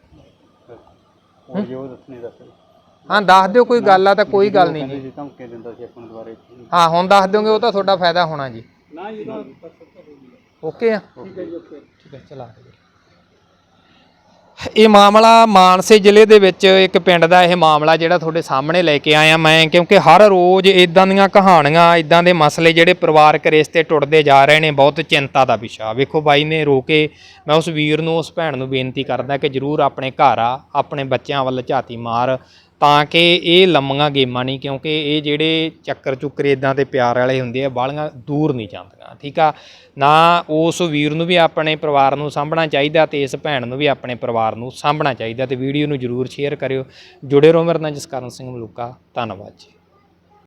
[SPEAKER 2] ਹਾਂ ਦੱਸ ਦਿਓ, ਕੋਈ ਗੱਲ ਆ ਤਾਂ ਕੋਈ ਗੱਲ ਨਹੀਂ ਜੀ। ਹਾਂ ਹੁਣ ਦੱਸ ਦਿਓਗੇ, ਉਹ ਤਾਂ ਤੁਹਾਡਾ ਫਾਇਦਾ ਹੋਣਾ ਜੀ। ਓਕੇ ਆ, ਠੀਕ ਹੈ ਚਲਾ। ਇਹ ਮਾਮਲਾ ਮਾਨਸੇ ਜ਼ਿਲ੍ਹੇ ਦੇ ਵਿੱਚ ਇੱਕ ਪਿੰਡ ਦਾ ਇਹ ਮਾਮਲਾ ਜਿਹੜਾ ਤੁਹਾਡੇ ਸਾਹਮਣੇ ਲੈ ਕੇ ਆਇਆ ਮੈਂ, ਕਿਉਂਕਿ ਹਰ ਰੋਜ਼ ਇਦਾਂ ਦੀਆਂ ਕਹਾਣੀਆਂ, ਇਦਾਂ ਦੇ ਮਸਲੇ ਜਿਹੜੇ ਪਰਿਵਾਰਕ ਰਿਸ਼ਤੇ ਟੁੱਟਦੇ ਜਾ ਰਹੇ ਨੇ, ਬਹੁਤ ਚਿੰਤਾ ਦਾ ਵਿਸ਼ਾ। ਵੇਖੋ ਬਾਈ ਨੇ ਰੋ ਕੇ, ਮੈਂ ਉਸ ਵੀਰ ਨੂੰ, ਉਸ ਭੈਣ ਨੂੰ ਬੇਨਤੀ ਕਰਦਾ ਕਿ ਜ਼ਰੂਰ ਆਪਣੇ ਘਰ ਆ, ਆਪਣੇ ਬੱਚਿਆਂ ਵੱਲ ਝਾਤੀ ਮਾਰ, ਤਾਂ ਕਿ ਇਹ ਲੰਮੀਆਂ ਗੇਮਾਂ ਨਹੀਂ, ਕਿਉਂਕਿ ਇਹ ਜਿਹੜੇ ਚੱਕਰ ਚੁੱਕਰ ਇਦਾਂ ਦੇ ਪਿਆਰ ਵਾਲੇ ਹੁੰਦੇ ਆ ਬਾਹਲੀਆਂ ਦੂਰ ਨਹੀਂ ਜਾਂਦੀਆਂ, ਠੀਕ ਆ ਨਾ। ਉਸ ਵੀਰ ਨੂੰ ਵੀ ਆਪਣੇ ਪਰਿਵਾਰ ਨੂੰ ਸਾਂਭਣਾ ਚਾਹੀਦਾ, ਤੇ ਇਸ ਭੈਣ ਨੂੰ ਵੀ ਆਪਣੇ ਪਰਿਵਾਰ ਨੂੰ ਸਾਂਭਣਾ ਚਾਹੀਦਾ। ਤੇ ਵੀਡੀਓ ਨੂੰ ਜ਼ਰੂਰ ਸ਼ੇਅਰ ਕਰਿਓ। ਜੁੜੇ ਰਹੋ ਮੇਰੇ ਨਾਲ, ਜਸਕਰਨ ਸਿੰਘ ਮਲੂਕਾ। ਧੰਨਵਾਦ ਜੀ।